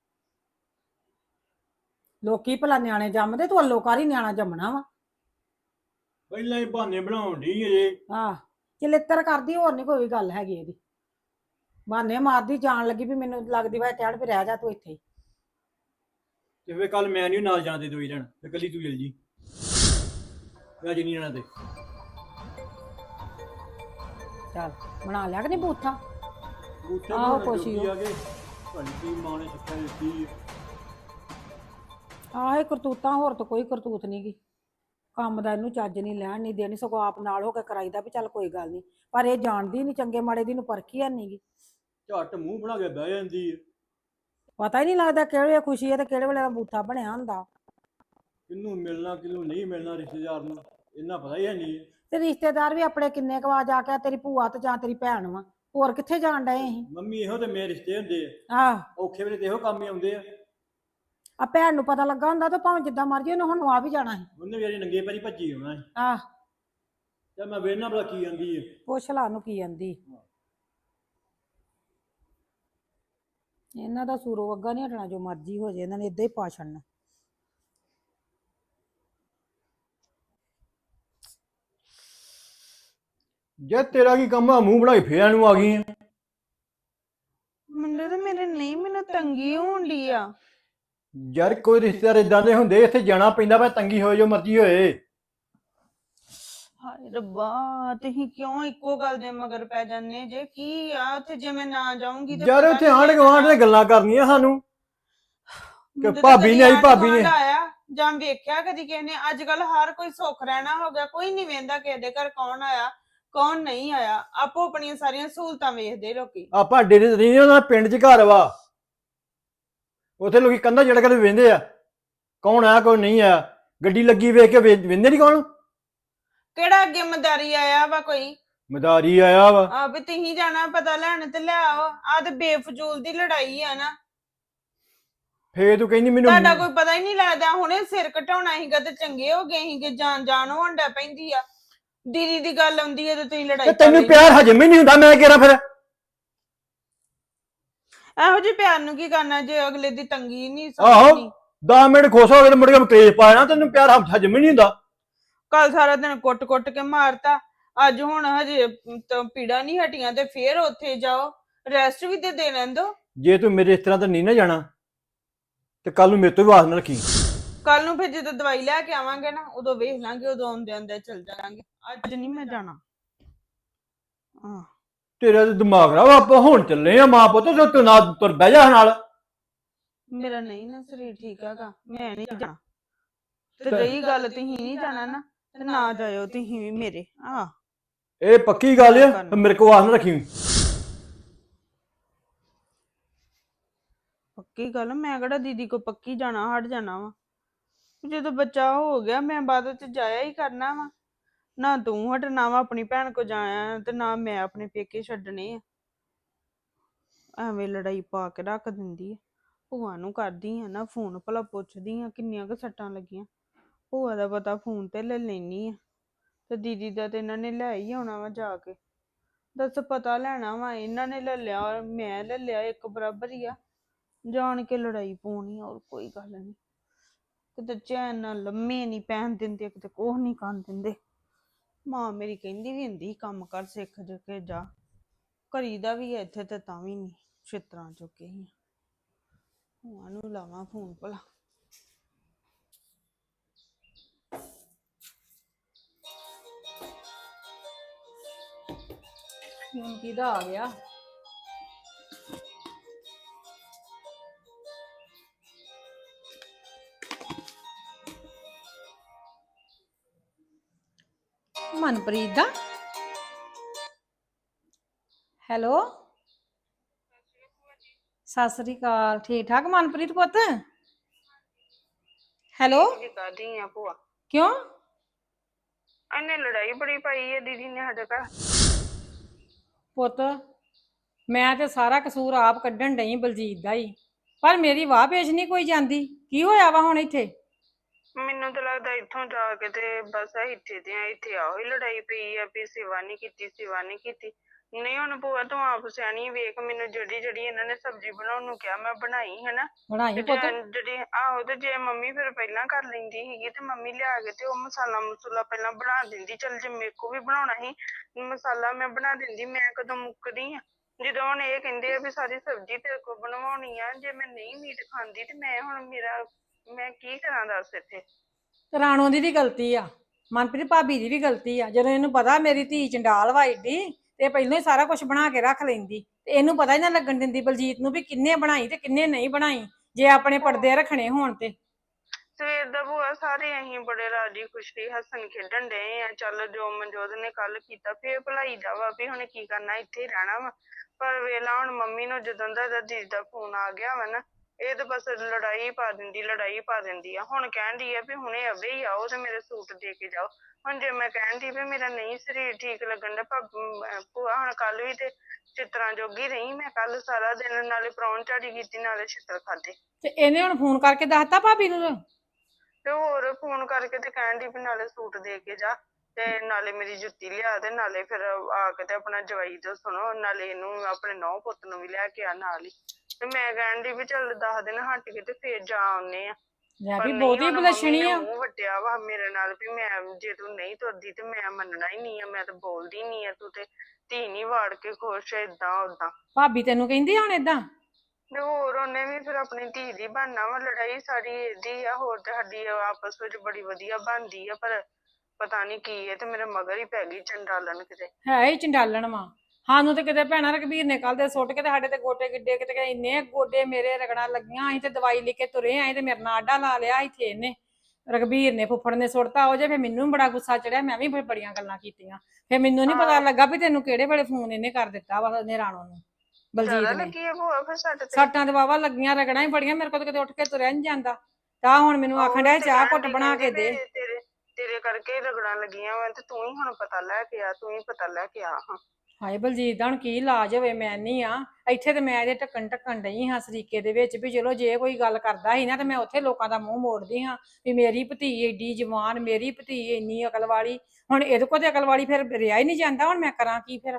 S5: ਲੋਕੀ ਭਲਾ ਨਿਆਣੇ ਜੰਮਦੇ, ਤੂੰ ਅੱਲੋਕਾਰੀ ਨਿਆਣਾ ਜੰਮਣਾ ਵਾ।
S4: ਪਹਿਲਾਂ ਹੀ ਬਹਾਨੇ ਬਣਾਉਣ ਡਈ ਅਜੇ।
S5: ਆਹ ਚਲਿੱਤਰ ਕਰਦੀ, ਹੋਰ ਨਹੀਂ ਕੋਈ ਗੱਲ ਹੈਗੀ ਇਹਦੀ। ਬਹਾਨੇ ਮਾਰਦੀ ਜਾਣ ਲੱਗੀ ਵੀ ਮੈਨੂੰ ਲੱਗਦੀ ਵਾ ਕਹਿਣ ਵੀ ਰਹਿ ਜਾ ਤੂੰ ਇੱਥੇ ਹੀ।
S4: ਤੇ ਫੇਰ ਕੱਲ ਮੈਂ ਨਹੀਂ ਨਾਲ ਜਾਂਦੇ ਦੋਈ ਜਣ, ਤੇ ਕੱਲੀ ਤੂੰ ਚਲ ਜੀ। ਅੱਜ ਨਹੀਂ ਜਾਣਾ ਤੇ
S5: ਚੱਲ ਬਣਾ ਲਿਆ ਕਿ ਨਹੀਂ ਬੂਥਾ।
S4: ਬੂਟੇ
S5: ਆਹੋ,
S4: ਬਣਾਉਣ
S5: ਕੁਛ ਹੀ
S4: ਜੋਗੀ
S5: ਉਹ।
S4: ਆ ਗਏ। ਭਾਈ ਕੀ ਮਾਂ ਨੇ ਸਿੱਖਿਆ ਦਿੱਤੀ ਆ।
S5: ਆਹ ਇਹ ਕਰਤੂਤਾਂ, ਹੋਰ ਤਾਂ ਕੋਈ ਕਰਤੂਤ ਨਹੀਂ ਗੀ। ਕੰਮ ਦਾ ਇਹਨੂੰ ਚੱਜ ਨਹੀਂ, ਲੈਣ ਨਹੀਂ ਦੇਣੀ, ਸਗੋਂ ਆਪ ਨਾਲ ਹੋ ਕੇ ਕਰਾਈਦਾ ਵੀ ਚੱਲ ਕੋਈ ਗੱਲ ਨਹੀਂ। ਪਰ ਇਹ ਜਾਣਦੀ ਨਹੀਂ, ਚੰਗੇ ਮਾੜੇ ਦੀ ਨੂੰ ਪਰਖੀ ਹੈ ਨੀ ਗੀ।
S4: ਝੱਟ ਮੂੰਹ ਬਣਾ ਕੇ ਬਹਿ ਜਾਂਦੀ ਆ।
S5: ਪਤਾ ਹੀ ਨਹੀਂ ਲੱਗਦਾ ਕਿਹੜੇ ਵੇਲੇ ਖੁਸ਼ੀ ਹੈ ਤੇ ਕਿਹੜੇ ਵੇਲੇ ਦਾ ਬੂਥਾ ਬਣਿਆ ਹੁੰਦਾ।
S4: ਕਿਹਨੂੰ ਮਿਲਣਾ ਕਿਹਨੂੰ ਨਹੀਂ ਮਿਲਣਾ ਰਿਸ਼ਤੇਦਾਰ ਨੂੰ ਇੰਨਾ ਪਤਾ ਹੀ ਹੈ ਨਹੀਂ।
S5: ਤੇ ਰਿਸ਼ਤੇਦਾਰ ਵੀ ਆਪਣੇ ਕਿੰਨੇ ਕੁ ਵਾਰ ਜਾ ਕੇ ਤੇਰੀ ਭੂਆ ਤੇ ਜਾਂ ਤੇਰੀ ਭੈਣ ਵਾ, ਹੋਰ ਕਿੱਥੇ ਜਾਣ ਡਏ ਅਸੀਂ।
S4: ਮੰਮੀ ਇਹੋ ਤੇ ਮੇਰੇ ਰਿਸ਼ਤੇ ਹੁੰਦੇ ਆ,
S5: ਆਹ
S4: ਔਖੇ ਵੇਲੇ ਤੇ ਇਹੋ ਕੰਮ ਹੀ ਆਉਂਦੇ ਆ।
S5: ਆ ਭੈਣ ਨੂੰ ਪਤਾ ਲੱਗਾ ਹੁੰਦਾ ਤਾਂ ਭਾਵੇਂ ਜਿੱਦਾਂ ਮਰਜੀ ਉਹਨੇ ਹੁਣ ਆ ਵੀ ਜਾਣਾ ਸੀ।
S4: ਉਹਨੇ ਵਿਚਾਰੀ ਨੰਗੇ ਪੈਰੀ ਭੱਜੀ ਆਉਣਾ ਸੀ।
S5: ਆਹ
S4: ਤੇ ਮੈਂ ਵੇਖਣਾ ਭਲਾ ਕੀ ਆਂਦੀ ਆ।
S5: ਪੁੱਛ ਲਾ ਨੂੰ ਕੀ ਆਂਦੀ। ਇਹਨਾਂ ਦਾ ਸੂਰੋ ਅੱਗਾ ਨਹੀਂ ਹਟਣਾ, ਜੋ ਮਰਜੀ ਹੋ ਜੇ ਇਹਨਾਂ ਨੇ ਏਦਾਂ ਹੀ ਪਾ ਛੱਡਣਾ।
S4: ਜੇ ਤੇਰਾ ਕੀ ਕੰਮ ਆ, ਮੂੰਹ ਬਣਾ ਕੇ ਫੇਰ ਨੂੰ ਆ ਗਈ ਆ।
S6: ਨਹੀਂ ਮੈਨੂੰ ਤੰਗੀ ਹੋਣ ਡਈ ਆ।
S4: ਯਾਰ ਕੋਈ ਰਿਸ਼ਤੇਦਾਰ ਇਦਾਂ ਦੇ ਹੁੰਦੇ, ਇੱਥੇ ਜਾਣਾ ਪੈਂਦਾ, ਭਾਵੇਂ ਤੰਗੀ ਹੋਏ ਜੋ ਮਰਜ਼ੀ ਹੋਏ।
S6: ਹਾਏ ਰੱਬਾ, ਤੁਸੀਂ ਕਿਉਂ ਇੱਕੋ ਗੱਲ ਦੇ ਮਗਰ ਪੈ ਜਾਂਦੇ ਜੇ? ਕੀ ਆ ਉੱਥੇ ਜੇ ਮੈਂ ਨਾ ਜਾਊਂਗੀ ਤੇ
S4: ਯਾਰ
S6: ਪਤਾ
S4: ਉੱਥੇ
S6: ਨੀ
S4: ਆਂਢ
S6: ਲੱਗਣਾ।
S4: ਗੁਆਂਢ ਦੀਆਂ ਗੱਲਾਂ ਕਰਨੀਆਂ ਸਾਨੂੰ ਕਿ
S6: ਮੈਨੂੰ ਤਾਂ
S4: ਭਾਬੀ
S6: ਕਦੀ
S4: ਨੇ ਆਈ,
S6: ਆਂਢ
S4: ਭਾਬੀ ਨੇ।
S6: ਗੁਆਂਢ ਆਇਆ ਜਾਂ ਵੇਖਿਆ ਕਦੀ ਕਿਸੇ ਨੇ? ਅੱਜ ਕੱਲ ਹਰ ਕੋਈ ਸੁੱਖ ਰਹਿਣਾ ਹੋ ਗਿਆ, ਕੋਈ ਨਹੀਂ ਵੇਂਦਾ ਕਿਸੇ ਦੇ ਘਰ ਕੌਣ ਆਇਆ ਕੌਣ ਨਹੀਂ ਆਇਆ। ਆਪੋ ਆਪਣੀਆਂ ਸਾਰੀਆਂ ਸਹੂਲਤਾਂ ਵੇਖਦੇ ਲੋਕੀ।
S4: ਆਪਾਂ ਡੇਰੇ ਤੇ ਨਹੀਂ, ਉਹਨਾਂ ਦਾ ਪਿੰਡ 'ਚ ਘਰ ਵਾ, ਉੱਥੇ ਲੋਕੀ ਕੰਧਾਂ ਚੜ੍ਹ ਕੇ ਵੇਂਦੇ ਆ ਕੌਣ ਆਇਆ ਕੌਣ ਨਹੀਂ ਆਇਆ। ਗੱਡੀ ਲੱਗੀ ਵੇਖ ਕੇ ਵੇਂਦੇ ਨਹੀਂ ਕੌਣ।
S6: ਕਿਹੜਾ ਅੱਗੇ ਮਦਾਰੀ ਆਇਆ ਵਾ ਕੋਈ?
S4: ਮਦਾਰੀ ਆਇਆ ਵਾ।
S6: ਆ ਵੀ ਤੁਸੀਂ ਜਾਣਾ ਪਤਾ ਲੈਣ ਤੇ ਲੈ ਆਓ। ਆ ਤੇ ਬੇਫਜ਼ੂਲ ਦੀ ਲੜਾਈ ਆ ਨਾ।
S4: ਫੇਰ ਤੂੰ ਕਹਿੰਦੀ ਮੈਨੂੰ
S6: ਤੁਹਾਡਾ ਕੋਈ ਪਤਾ ਹੀ ਨਹੀਂ ਲੱਗਦਾ। ਹੁਣੇ ਸਿਰ ਘਟਾਉਣਾ ਸੀਗਾ ਤੇ ਚੰਗੇ ਹੋ ਗਏ ਸੀਗੇ। ਜਾਨ ਹੋਂਡਾ ਪੈਂਦੀ ਆ। ਦੀਦੀ ਦੀ ਗੱਲ ਆਉਂਦੀ ਹੈ ਤੇ ਤੁਸੀਂ ਲੜਾਈ
S4: ਤੇ
S6: ਕਰ
S4: ਤੈਨੂੰ
S6: ਲੈਂਦੇ।
S4: ਪਿਆਰ ਹਜਮ ਹੀ ਨਹੀਂ ਹੁੰਦਾ, ਮੈਂ ਕਿਹਾ ਫਿਰ
S6: ਇਹੋ ਜਿਹੇ ਪਿਆਰ ਨੂੰ ਕੀ ਕਰਨਾ ਜੇ ਅਗਲੇ ਦੀ ਤੰਗੀ ਨਹੀਂ
S4: ਆਹੋ
S6: ਸਮਝਣੀ।
S4: 10 ਮਿੰਟ ਖੁਸ਼ ਹੋ ਗਏ ਤੇ ਮੁੜ ਕੇ ਕਲੇਸ਼ ਪਾ ਜਾਣਾ। ਤੈਨੂੰ ਪਿਆਰ ਹਜਮ ਹੀ ਨਹੀਂ ਹੁੰਦਾ।
S6: ਕੱਲ ਸਾਰਾ ਦਿਨ ਕੁੱਟ ਕੇ ਮਾਰਤਾ, ਅੱਜ ਹੁਣ ਹਜੇ ਪੀੜਾ ਨਹੀਂ ਹਟੀਆਂ ਤੇ ਫੇਰ ਉੱਥੇ ਜਾਓ। ਰੈਸਟ ਵੀ ਤੇ ਦੇ ਲੈਣ ਦੋ।
S4: ਜੇ ਤੂੰ ਮੇਰੇ ਇਸ ਤਰ੍ਹਾਂ ਤਾਂ ਨਹੀਂ ਨਾ ਜਾਣਾ ਤੇ ਕੱਲ ਨੂੰ ਮੇਰੇ ਤੋਂ ਵੀ ਆਸ ਨਾ ਰੱਖੀ।
S6: ਕੱਲ ਨੂੰ ਫਿਰ ਜਦੋਂ ਦਵਾਈ ਲੈ ਕੇ ਆਵਾਂਗੇ ਨਾ, ਉਦੋਂ ਵੇਖ ਲਾਂਗੇ, ਉਦੋਂ ਆਉਂਦੇ ਚੱਲ ਜਾਵਾਂਗੇ। ਅੱਜ ਨਹੀਂ ਮੈਂ ਜਾਣਾ।
S4: ਤੇਰਾ ਤੇ ਦਿਮਾਗ ਖਰਾਬ। ਆਪਾਂ ਹੁਣ ਚੱਲੇ ਆ ਮਾਂ ਪੁੱਤ, ਤੇ ਤੂੰ ਨਾ ਤੁਰ ਬਹਿ ਜਾ ਨਾਲ।
S6: ਮੇਰਾ ਨਹੀਂ ਨਾ ਸਰੀਰ ਠੀਕ ਹੈਗਾ, ਮੈਂ ਨਹੀਂ ਜਾਣਾ। ਤੇ ਰਹੀ ਗੱਲ ਤੁਸੀਂ ਨਹੀਂ ਜਾਣਾ ਨਾ, ਤੇ ਨਾ ਜਾਇਓ ਤੁਸੀਂ ਵੀ ਮੇਰੇ।
S4: ਇਹ ਪੱਕੀ ਗੱਲ ਆ, ਮੇਰੇ ਕੋਲ ਆਸ ਨਾ ਰੱਖੀ।
S6: ਪੱਕੀ ਗੱਲ, ਮੈਂ ਕਿਹੜਾ ਦੀਦੀ ਕੋ ਪੱਕੀ ਜਾਣਾ ਹਟ ਜਾਣਾ ਵਾ। ਜਦੋਂ ਬੱਚਾ ਹੋ ਗਿਆ ਮੈਂ ਬਾਅਦ ਚ ਜਾਇਆ ਹੀ ਕਰਨਾ ਵਾ। ਨਾ ਤੂੰ ਹਟਣਾ ਵਾ ਆਪਣੀ ਭੈਣ ਕੋ ਜਾਇਆ, ਤੇ ਨਾ ਮੈਂ ਆਪਣੇ ਪੇਕੇ ਛੱਡਣੇ ਆ। ਐਵੇਂ ਲੜਾਈ ਪਾ ਕੇ ਰੱਖ ਦਿੰਦੀ ਆ। ਭੂਆ ਨੂੰ ਕਰਦੀ ਆ ਨਾ ਫੋਨ, ਭਲਾ ਪੁੱਛਦੀ ਆ ਕਿੰਨੀਆਂ ਕੁ ਸੱਟਾਂ ਲੱਗੀਆਂ। ਭੂਆ ਦਾ ਪਤਾ ਫੋਨ ਤੇ ਲੈ ਲੈਣੀ ਆ, ਤੇ ਦੀਦੀ ਦਾ ਤੇ ਇਹਨਾਂ ਨੇ ਲੈ ਹੀ ਆਉਣਾ ਵਾ ਜਾ ਕੇ। ਦੱਸ ਪਤਾ ਲੈਣਾ ਵਾ ਇਹਨਾਂ ਨੇ ਲੈ ਲਿਆ, ਮੈਂ ਲੈ ਲਿਆ, ਇੱਕ ਬਰਾਬਰ ਹੀ ਆ। ਜਾਣ ਕੇ ਲੜਾਈ ਪਾਉਣੀ, ਹੋਰ ਕੋਈ ਗੱਲ ਨਹੀਂ। ਕਿਤੇ ਚੈਨ ਨਾਲ ਲੰਮੇ ਨਹੀਂ ਪੈਣ ਦਿੰਦੇ, ਕਿਤੇ ਕੁਛ ਨਹੀਂ ਕਰਨ ਦਿੰਦੇ। ਮਾਂ ਮੇਰੀ ਕਹਿੰਦੀ ਵੀ ਹੁੰਦੀ ਕੰਮ ਕਰ ਸਿੱਖ ਜੋ ਕੇ ਜਾ। ਕਰੀਦਾ ਵੀ ਹੈ ਇੱਥੇ ਤੇ ਤਾਂ ਵੀ ਨਹੀਂ, ਛਿੱਤਰਾਂ ਚੁੱਕੇ ਹੀ। ਭੂਆ ਨੂੰ ਲਾਵਾਂ ਫੋਨ ਭਲਾ।
S5: ਹੁਣ ਕਿਹਦਾ ਆ ਗਿਆ? ਮਨਪ੍ਰੀਤ ਦਾ। ਹੈਲੋ, ਸਤਿ ਸ੍ਰੀ ਅਕਾਲ। ਠੀਕ ਠਾਕ ਮਨਪ੍ਰੀਤ ਪੁੱਤ? ਹੈਲੋ,
S6: ਕਰਦੀ ਆ ਭੂਆ।
S5: ਕਿਉਂ?
S6: ਇਹਨੇ ਲੜਾਈ ਬੜੀ ਪਾਈ ਹੈ ਦੀਦੀ ਨੇ ਸਾਡੇ ਘਰ।
S5: ਪੁੱਤ ਮੈਂ ਤੇ ਸਾਰਾ ਕਸੂਰ ਆਪ ਕੱਢਣ ਡਈ ਬਲਜੀਤ ਦਾ ਹੀ, ਪਰ ਮੇਰੀ ਵਾਹ ਪੇਸ਼ ਨਹੀਂ ਕੋਈ ਜਾਂਦੀ। ਕੀ ਹੋਇਆ ਵਾ ਹੁਣ ਇੱਥੇ?
S6: ਮੈਨੂੰ ਤਾਂ ਲੱਗਦਾ ਇੱਥੋਂ ਜਾ ਕੇ ਤੇ ਬਸ ਇੱਥੇ ਆਹੋ ਹੀ ਲੜਾਈ ਪਈ ਆ ਵੀ ਸੇਵਾ ਨਹੀਂ ਕੀਤੀ, ਸੇਵਾ ਨਹੀਂ ਕੀਤੀ। ਨਹੀਂ ਹੁਣ ਭੂਆ ਤੂੰ ਆਪ ਸਿਆਣੀ, ਵੇਖ ਮੈਨੂੰ ਜਿਹੜੀ ਇਹਨਾਂ ਨੇ ਸਬਜ਼ੀ ਬਣਾਉਣ ਨੂੰ ਕਿਹਾ ਮੈਂ ਬਣਾਈ ਹਨਾ।
S5: ਬਣਾਈ ਪੁੱਤ?
S6: ਜਿਹੜੀ ਆਹੋ, ਤੇ ਜੇ ਮੰਮੀ ਫਿਰ ਪਹਿਲਾਂ ਕਰ ਲੈਂਦੀ ਸੀਗੀ ਤੇ ਮੰਮੀ ਲਿਆ ਕੇ ਤੇ ਉਹ ਮਸਾਲਾ ਪਹਿਲਾਂ ਬਣਾ ਦਿੰਦੀ। ਚੱਲ ਜੇ ਮੇਰੇ ਕੋ ਵੀ ਬਣਾਉਣਾ ਸੀ ਮਸਾਲਾ ਮੈਂ ਬਣਾ ਦਿੰਦੀ, ਮੈਂ ਕਦੋਂ ਮੁੱਕਦੀ ਆ। ਜਦੋਂ ਹੁਣ ਇਹ ਕਹਿੰਦੇ ਆ ਵੀ ਸਾਰੀ ਸਬਜ਼ੀ ਤੇਰੇ ਕੋਲ ਬਣਵਾਉਣੀ ਆ, ਜੇ ਮੈਂ ਨਹੀਂ ਮੀਟ ਖਾਂਦੀ ਤੇ ਮੈਂ ਕੀ ਕਰਾਂ ਦੱਸ ਇੱਥੇ।
S5: ਰਾਣੋ ਦੀ ਵੀ ਗਲਤੀ ਆ, ਮਨਪ੍ਰੀਤ ਭਾਬੀ ਦੀ ਵੀ ਗਲਤੀ ਆ। ਜਦੋਂ ਇਹਨੂੰ ਪਤਾ ਮੇਰੀ ਧੀ ਚੰਡਾਲ ਵਾ ਏਡੀ, ਤੇ ਪਹਿਲਾਂ ਹੀ ਸਾਰਾ ਕੁਝ ਬਣਾ ਕੇ ਰੱਖ ਲੈਂਦੀ, ਤੇ ਇਹਨੂੰ ਪਤਾ ਹੀ ਨਾ ਲੱਗਣ ਦਿੰਦੀ ਬਲਜੀਤ ਨੂੰ ਵੀ ਕਿੰਨੇ ਬਣਾਈ ਤੇ ਕਿੰਨੇ ਨਹੀਂ ਬਣਾਈ, ਜੇ ਆਪਣੇ ਪਰਦੇ ਰੱਖਣੇ ਹੋਣ ਤੇ।
S6: ਸਵੇਰ ਦਾ ਭੂਆ ਸਾਰੇ ਅਸੀਂ ਬੜੇ ਰਾਜੀ ਖੁਸ਼ੀ ਹੱਸਣ ਖੇਡਣ ਡਏ ਆ। ਚੱਲ ਜੋ ਮਨਜੋਤ ਨੇ ਕੱਲ ਕੀਤਾ ਫੇਰ ਭਲਾਈ ਦਾ ਵਾ ਵੀ ਹੁਣ ਕੀ ਕਰਨਾ, ਇੱਥੇ ਹੀ ਰਹਿਣਾ ਵਾ। ਪਰ ਵੇਲਾ ਹੁਣ ਮੰਮੀ ਨੂੰ ਜਦੋਂ ਦਾ ਦੀਦੀ ਦਾ ਫੋਨ ਆ ਗਿਆ ਵਾ ਨਾ, ਇਹ ਤਾਂ ਬਸ ਲੜਾਈ ਪਾ ਦਿੰਦੀ ਆ। ਹੁਣ ਕਹਿੰਦੀ ਆ ਵੀ ਹੁਣੇ ਅਵੇ ਹੀ ਆਓ ਤੇ ਮੇਰੇ ਸੂਟ ਦੇ ਕੇ ਜਾਓ। ਹੁਣ ਜੇ ਮੈਂ ਕਹਿੰਦੀ ਵੀ ਮੇਰਾ ਨਹੀਂ ਸਰੀਰ ਠੀਕ ਲੱਗਣ ਦਾ ਭੂਆ, ਹੁਣ ਕੱਲ ਵੀ ਤੇ ਛਿੱਤਰਾਂ ਜੋਗੀ ਰਹੀ ਮੈਂ। ਕੱਲ ਸਾਰਾ ਦਿਨ ਨਾਲੇ ਪ੍ਰਾਹੁਣਚਾਰੀ ਕੀਤੀ ਨਾਲੇ ਛਿੱਤਰ ਖਾਦੇ।
S5: ਤੇ ਇਹਨੇ ਹੁਣ ਫੋਨ ਕਰਕੇ ਦੱਸਤਾ ਭਾਬੀ ਨੂੰ?
S6: ਤੇ ਹੋਰ ਫੋਨ ਕਰਕੇ ਤੇ ਕਹਿਣ ਦੀ ਵੀ ਨਾਲੇ ਸੂਟ ਦੇ ਕੇ ਜਾ, ਤੇ ਨਾਲੇ ਮੇਰੀ ਜੁੱਤੀ ਲਿਆ, ਤੇ ਨਾਲੇ ਫਿਰ ਆ ਕੇ ਤੇ ਆਪਣਾ ਜਵਾਈ ਤੋਂ ਸੁਣੋ, ਨਾਲੇ ਇਹਨੂੰ ਆਪਣੇ ਨੌ ਪੁੱਤ ਨੂੰ ਵੀ ਲੈ ਕੇ ਆ ਨਾਲ ਹੀ। ਤੇ ਮੈਂ ਕਹਿਣ ਦੀ ਵੀ ਚੱਲ 10 ਦਿਨ ਹਟ ਕੇ ਤੇ ਫੇਰ ਜਾ ਆਉਨੇ ਆ।
S5: ਲੈ
S6: ਪਰ
S5: ਵੀ
S6: ਨਹੀਂ,
S5: ਬਹੁਤੀ
S6: ਹੁਣ ਮੰਮੀ
S5: ਬਲਸ਼ਣੀ
S6: ਨੇ
S5: ਆ।
S6: ਮੂੰਹ ਵੱਟਿਆ ਵਾ ਮੇਰੇ ਨਾਲ ਵੀ ਜੇ ਤੂੰ ਨਹੀਂ ਤੁਰਦੀ ਤੇ ਮੈਂ ਮੰਨਣਾ ਹੀ ਨਹੀਂ ਆ, ਮੈਂ ਤਾਂ ਬੋਲਦੀ ਨਹੀਂ ਆ। ਤੂੰ ਤੇ ਧੀ ਨੀ ਵਾੜ ਕੇ ਖੁਸ਼ ਏਦਾਂ ਓਦਾਂ।
S5: ਭਾਬੀ ਤੈਨੂੰ ਕਹਿੰਦੀ ਹੁਣ ਏਦਾਂ?
S6: ਤੇ ਹੋਰ ਉਹਨੇ ਵੀ ਫਿਰ ਆਪਣੀ ਧੀ ਦੀ ਬਣਨਾ ਵਾ। ਲੜਾਈ ਸਾਰੀ ਇਹਦੀ ਆ, ਹੋਰ ਤੇ ਸਾਡੀ ਆਪਸ ਵਿੱਚ ਬੜੀ ਵਧੀਆ ਬਣਦੀ ਆ, ਪਰ ਪਤਾ ਨਹੀਂ ਕੀ ਹੈ ਤੇ ਮੇਰੇ ਮਗਰ ਹੀ ਪੈ ਗਈ ਚੰਡਾਲਣ ਕਿਤੇ।
S5: ਹੈ ਹੀ ਚੰਡਾਲਣ ਵਾ। ਸਾਨੂੰ ਤੇ ਕਿਤੇ ਭੈਣਾ ਰਘਬੀਰ ਨੇ ਕੱਲ ਦੇ ਸੁੱਟ ਕੇ ਤੇ ਸਾਡੇ ਤੇ ਗੋਡੇ ਗਿੱਡੇ ਕਿਤੇ ਇੰਨੇ ਗੋਡੇ ਮੇਰੇ ਰਗੜਾਂ ਲੱਗੀਆਂ। ਅਸੀਂ ਤੇ ਦਵਾਈ ਲੈ ਕੇ ਤੁਰੇ ਆਏ ਤੇ ਮੇਰੇ ਨਾਲ ਆਡਾ ਲਾ ਲਿਆ ਇੱਥੇ ਇਹਨੇ, ਰਘਬੀਰ ਨੇ ਫੁੱਫੜ ਨੇ ਸੁੱਟਤਾ ਉਹ ਜੇ। ਫਿਰ ਮੈਨੂੰ ਬੜਾ ਗੁੱਸਾ ਚੜਿਆ, ਮੈਂ ਵੀ ਫਿਰ ਬੜੀਆਂ ਗੱਲਾਂ ਕੀਤੀਆਂ। ਫਿਰ ਮੈਨੂੰ ਨਹੀਂ ਪਤਾ ਲੱਗਾ ਵੀ ਤੈਨੂੰ ਕਿਹੜੇ ਵੇਲੇ ਫੋਨ ਇਹਨੇ ਕਰ ਦਿੱਤਾ ਵਾ ਉਹਨੇ ਰਾਣੋ ਨੂੰ, ਬਲਜੀਤ
S6: ਜ਼ਿਆਦਾ
S5: ਨੇ।
S6: ਲੱਗੀ ਆ ਭੂਆ ਫਿਰ ਸੱਟ ਤੇ?
S5: ਸੱਟਾਂ ਤੇ ਵਾਵਾ ਲੱਗੀਆਂ, ਰਗੜਾਂ ਹੀ ਬੜੀਆਂ, ਮੇਰੇ ਕੋਲ ਤਾਂ ਕਿਤੇ ਉੱਠ ਕੇ ਤੁਰਿਆ ਨਹੀਂ ਜਾਂਦਾ। ਤਾਂ ਹੁਣ ਮੈਨੂੰ ਆਖਣ ਡਿਆ ਚਾਹ ਘੁੱਟ ਬਣਾ ਕੇ ਦੇ।
S6: ਤੇਰੇ ਤੇਰੇ ਕਰਕੇ ਰਗੜਾਂ ਲੱਗੀਆਂ ਵਾ ਤੇ ਤੂੰ ਹੀ ਹੁਣ ਪਤਾ ਲੈ ਕੇ ਆ, ਤੂੰ ਹੀ ਪਤਾ ਲੈ ਕੇ ਆ। ਹਾਂ
S5: ਹਾਏ ਬਲਜੀਤ ਦਾ ਹੁਣ ਕੀ ਇਲਾਜ ਹੋਵੇ, ਮੈਂ ਨਹੀਂ ਆ ਇੱਥੇ ਤੇ ਮੈਂ ਇਹਦੇ ਢੱਕਣ ਡਈ ਹਾਂ ਸਰੀਕੇ ਦੇ ਵਿੱਚ ਵੀ ਚਲੋ ਜੇ ਕੋਈ ਗੱਲ ਕਰਦਾ ਸੀ ਨਾ ਤੇ ਮੈਂ ਉੱਥੇ ਲੋਕਾਂ ਦਾ ਮੂੰਹ ਮੋੜਦੀ ਹਾਂ ਵੀ ਮੇਰੀ ਭਤੀ ਏਡੀ ਜਵਾਨ, ਮੇਰੀ ਭਤੀ ਇੰਨੀ ਅਕਲ ਵਾਲੀ। ਹੁਣ ਇਹਦੇ ਕੋਲ ਤੇ ਅਕਲ ਵਾਲੀ ਫਿਰ ਰਿਹਾ ਹੀ ਨਹੀਂ ਜਾਂਦਾ, ਹੁਣ ਮੈਂ ਕਰਾਂ ਕੀ ਫਿਰ?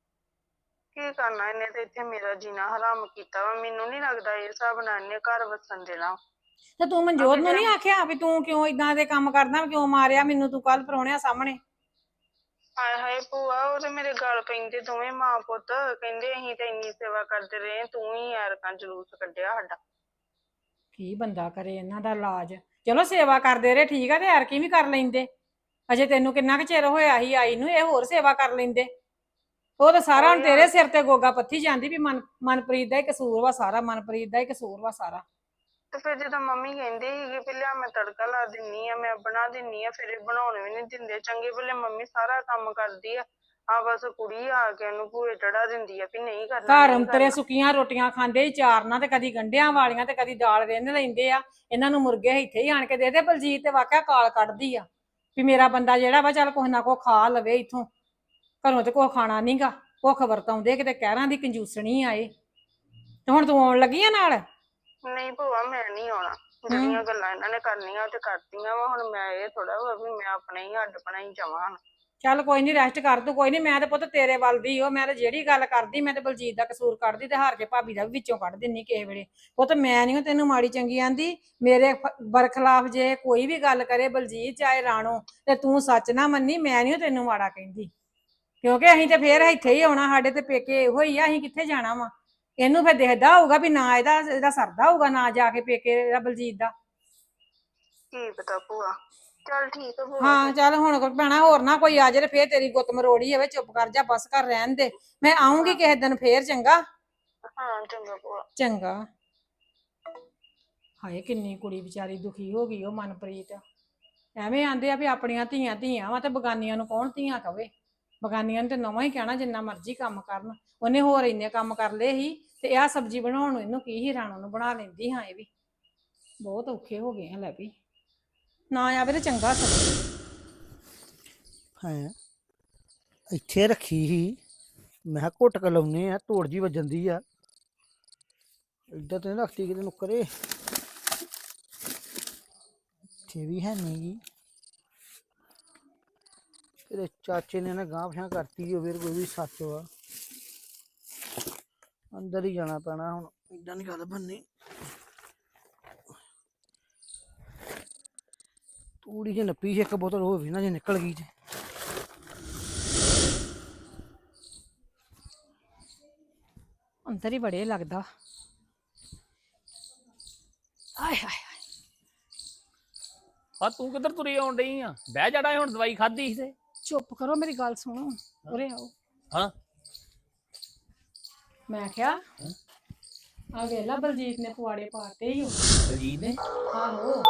S6: ਕੀ ਕਰਨਾ, ਇਹਨੇ ਤੇ ਇੱਥੇ ਮੇਰਾ ਜੀਣਾ ਹਰਾਮ ਕੀਤਾ ਵਾ। ਮੈਨੂੰ ਨਹੀਂ ਲੱਗਦਾ ਇਹ ਹਿਸਾਬ ਨਾਲ ਇਹਨੇ ਘਰ ਵਸਣ ਦੇਣਾ।
S5: ਤੇ ਤੂੰ ਮਨਜੋਤ ਨੂੰ ਨਹੀਂ ਆਖਿਆ ਵੀ ਤੂੰ ਕਿਉਂ ਇਦਾਂ ਦੇ ਕੰਮ ਕਰਦਾ, ਕਿਉਂ ਮਾਰਿਆ ਮੈਨੂੰ ਤੂੰ ਕੱਲ ਪਰੌਣਿਆਂ ਸਾਹਮਣੇ?
S6: ਹਾਏ ਹਾਏ ਭੂਆ, ਉਹ ਤੇ ਮੇਰੇ ਗਲ ਪੈਂਦੇ ਦੋਵੇਂ ਮਾਂ ਪੁੱਤ। ਕਹਿੰਦੇ ਅਸੀਂ ਤੇ ਇੰਨੀ ਸੇਵਾ ਕਰਦੇ ਰਹੇ, ਤੂੰ ਹੀ ਐਰਕਾਂ ਜਲੂਸ ਕੱਢਿਆ ਸਾਡਾ।
S5: ਕੀ ਬੰਦਾ ਕਰੇ ਇਹਨਾਂ ਦਾ ਇਲਾਜ। ਚਲੋ ਸੇਵਾ ਕਰਦੇ ਰਹੇ ਠੀਕ ਆ, ਤੇ ਐਰਕੀ ਵੀ ਕਰ ਲੈਂਦੇ। ਅਜੇ ਤੈਨੂੰ ਕਿੰਨਾ ਕੁ ਚਿਰ ਹੋਇਆ ਸੀ ਆਈ ਨੂੰ, ਇਹ ਹੋਰ ਸੇਵਾ ਕਰ ਲੈਂਦੇ। ਉਹ ਤਾਂ ਸਾਰਾ ਹੁਣ ਤੇਰੇ ਸਿਰ ਤੇ ਗੋਗਾ ਪੱਥੀ ਜਾਂਦੀ ਵੀ ਮਨਪ੍ਰੀਤ ਦਾ ਹੀ ਕਸੂਰ ਵਾ ਸਾਰਾ, ਮਨਪ੍ਰੀਤ ਦਾ ਹੀ ਕਸੂਰ ਵਾ ਸਾਰਾ।
S6: ਤੇ ਫਿਰ ਜਦੋਂ ਮੰਮੀ ਕਹਿੰਦੀ ਸੀਗੀ ਵੀ ਲਿਆ ਮੈਂ ਤੜਕਾ ਲਾ ਦਿੰਨੀ ਆ, ਮੈਂ ਬਣਾ ਦਿੰਨੀ ਆ, ਫਿਰ ਇਹ ਬਣਾਉਣ ਵੀ ਨਹੀਂ ਦਿੰਦੇ। ਚੰਗੇ ਭਲੇ ਮੰਮੀ ਸਾਰਾ ਕੰਮ ਕਰਦੀ ਆ ਬਸ ਕੁੜੀ ਆ ਕੇ ਇਹਨੂੰ ਭੂਏ ਚੜਾ ਦਿੰਦੀ ਆ ਵੀ ਨਹੀਂ ਕਰਨਾ।
S5: ਘਰ ਅੰਤਰੇ ਸੁੱਕੀਆਂ ਰੋਟੀਆਂ ਖਾਂਦੇ ਹੀ ਚਾਰਨਾ, ਤੇ ਕਦੀ ਗੰਢਿਆਂ ਵਾਲੀਆਂ ਤੇ ਕਦੀ ਦਾਲ ਰਿੰਨ ਲੈਂਦੇ ਆ। ਇਹਨਾਂ ਨੂੰ ਮੁਰਗੇ ਇੱਥੇ ਹੀ ਆਣ ਕੇ ਦੇ ਦੇ। ਬਲਜੀਤ ਤੇ ਵਾਕਿਆ ਕਾਲ ਕੱਢਦੀ ਆ ਵੀ ਮੇਰਾ ਬੰਦਾ ਜਿਹੜਾ ਵਾ ਚੱਲ ਕੁਛ ਨਾ ਕੁਛ ਖਾ ਲਵੇ ਇੱਥੋਂ, ਘਰੋਂ ਤੇ ਕੁਛ ਖਾਣਾ ਨਹੀਂਗਾ। ਭੁੱਖ ਵਰਤਾਉਂਦੇ ਕਿਤੇ ਕਹਿਰਾਂ ਦੀ ਕੰਜੂਸਣੀ ਆਏ। ਤੇ ਹੁਣ ਤੂੰ ਆਉਣ ਲੱਗੀ ਆ ਨਾਲ?
S6: ਨਹੀਂ ਭੂਆ ਮੈਂ ਨਹੀਂ ਆਉਣਾ, ਜਿਹੜੀਆਂ ਗੱਲਾਂ ਇਹਨਾਂ ਨੇ ਕਰਨੀਆਂ ਉਹ ਤੇ ਕਰਤੀਆਂ ਵਾ। ਹੁਣ ਮੈਂ ਇਹ ਥੋੜਾ ਵਾ ਵੀ ਮੈਂ ਆਪਣੇ ਹੀ ਅੱਡ ਬਣਾਈ ਜਾਵਾਂ।
S5: ਚੱਲ ਕੋਈ ਨਹੀਂ, ਰੈਸਟ ਕਰ ਤੂੰ। ਕੋਈ ਨਹੀਂ, ਮੈਂ ਤੇ ਪੁੱਤ ਤੇਰੇ ਵੱਲ ਦੀ ਉਹ, ਮੈਂ ਤੇ ਜਿਹੜੀ ਗੱਲ ਕਰਦੀ ਮੈਂ ਤੇ ਬਲਜੀਤ ਦਾ ਕਸੂਰ ਕੱਢਦੀ ਤੇ ਹਾਰ ਕੇ ਭਾਬੀ ਦਾ ਵੀ ਵਿੱਚੋਂ ਕੱਢ ਦਿੰਨੀ ਕਿਸੇ ਵੇਲੇ। ਪੁੱਤ ਮੈਂ ਨਹੀਂ ਤੈਨੂੰ ਮਾੜੀ ਚੰਗੀ ਆਂਦੀ, ਮੇਰੇ ਬਰਖਲਾਫ ਜੇ ਕੋਈ ਵੀ ਗੱਲ ਕਰੇ ਬਲਜੀਤ ਚਾਹੇ ਰਾਣੋ, ਤੇ ਤੂੰ ਸੱਚ ਨਾ ਮੰਨੀ, ਮੈਂ ਨਹੀਂ ਤੈਨੂੰ ਮਾੜਾ ਕਹਿੰਦੀ। ਕਿਉਂਕਿ ਅਸੀਂ ਤੇ ਫੇਰ ਇੱਥੇ ਹੀ ਆਉਣਾ, ਸਾਡੇ ਤੇ ਪੇਕੇ ਇਹੋ ਹੀ ਆ, ਅਸੀਂ ਕਿੱਥੇ ਜਾਣਾ ਵਾ। ਇਹਨੂੰ ਫਿਰ ਦਿਖਦਾ ਹੋਊਗਾ ਵੀ ਨਾ ਇਹਦਾ ਸਰਦਾ ਹੋਊਗਾ ਨਾ ਜਾ ਕੇ ਪੇਕੇ ਇਹਦਾ ਬਲਜੀਤ ਦਾ।
S6: ਕੀ ਪਤਾ ਭੂਆ, ਚੱਲ ਠੀਕ ਆ ਭੂਆ।
S5: ਹਾਂ ਚੱਲ ਹੁਣ ਭੈਣਾ ਹੋਰ ਨਾ ਕੋਈ ਆ ਜਾਏ ਫੇਰ ਤੇਰੀ ਗੁੱਤ ਮਰੋੜੀ ਹੋਵੇ। ਚੁੱਪ ਕਰ ਜਾ, ਬਸ ਕਰ ਰਹਿਣ ਦੇ। ਮੈਂ ਆਉਂਗੀ ਕਿਸੇ ਦਿਨ ਫੇਰ, ਚੰਗਾ?
S6: ਹਾਂ ਚੰਗਾ ਭੂਆ।
S5: ਚੰਗਾ। ਹਾਏ ਕਿੰਨੀ ਕੁੜੀ ਵਿਚਾਰੀ ਦੁਖੀ ਹੋ ਗਈ ਉਹ ਮਨਪ੍ਰੀਤ। ਐਵੇਂ ਆਂਦੇ ਆ ਵੀ ਆਪਣੀਆਂ ਧੀਆਂ ਧੀਆਂ ਵਾ ਤੇ ਬਗਾਨੀਆਂ ਨੂੰ ਕੌਣ ਧੀਆਂ ਕਵੇ। ਬਗਾਨੀਆਂ ਨੂੰ ਤੇ ਨਵਾਂ ਹੀ ਕਹਿਣਾ ਜਿੰਨਾ ਮਰਜ਼ੀ ਕੰਮ ਕਰਨ। ਉਹਨੇ ਹੋਰ ਇੰਨੇ ਕੰਮ ਕਰ ਲਏ ਸੀ ਤੇ ਆਹ ਸਬਜ਼ੀ ਬਣਾਉਣ ਨੂੰ ਇਹਨੂੰ ਕੀ ਹੀ ਰਾਣੋ ਨੂੰ ਬਣਾ ਲੈਂਦੀ। ਹਾਂ ਇਹ ਵੀ ਬਹੁਤ ਔਖੇ ਹੋ ਗਏ ਆ। ਲੈ ਵੀ ਨਾ ਆਵੇ ਤੇ ਚੰਗਾ ਸਗੋਂ।
S3: ਹੈ ਇੱਥੇ ਰੱਖੀ ਸੀ, ਮੈਂ ਕਿਹਾ ਘੁੱਟ ਕੇ ਲਾਉਨੇ ਆ, ਧੂੜ ਜੀ ਵੱਜਣ ਦੀ ਆ। ਇੱਧਰ ਤੇ ਨੀ ਰੱਖਤੀ ਕਿਤੇ ਨੁੱਕਰੇ, ਇੱਥੇ ਵੀ ਹੈ ਨਹੀਂ ਗੀ। ਇਹਦੇ ਚਾਚੇ ਨੇ ਨਾ ਗਾਂਹ ਪਛਾਂ ਕਰਤੀ ਹੋਵੇ, ਕੋਈ ਵੀ ਸੱਚ ਵਾ। ਅੰਦਰ ਹੀ ਜਾਣਾ ਪੈਣਾ ਹੁਣ, ਇੱਦਾਂ ਨਹੀਂ ਗੱਲ ਬਣਨੀ। ਤੂੜੀ ਜੇ ਨੱਪੀ ਸੀ ਇੱਕ ਬੋਤਲ ਹੋਵੇ ਨਾ, ਜੇ ਨਿਕਲ ਗਈ ਤੇ
S5: ਅੰਦਰ ਹੀ ਬੜੇ ਲੱਗਦਾ। ਆਏ ਹਾਏ
S7: ਆ ਤੂੰ ਕਿੱਧਰ ਤੁਰੀ ਆਉਣ ਡਈ ਆ? ਬਹਿ ਜਾਣਾ ਹੁਣ, ਦਵਾਈ ਖਾਧੀ ਸੀ ਤੇ।
S5: ਚੁੱਪ ਕਰੋ, ਮੇਰੀ ਗੱਲ ਸੁਣੋ। ਉਰੇ ਆਓ।
S7: ਹਾਂ
S5: ਮੈਂ ਕਿਹਾ ਆ ਵੇਲਾ ਬਲਜੀਤ ਨੇ ਪੁਆੜੇ ਪਾਤੇ ਹੀ।
S7: ਬਲਜੀਤ ਨੇ?
S5: ਆਹੋ।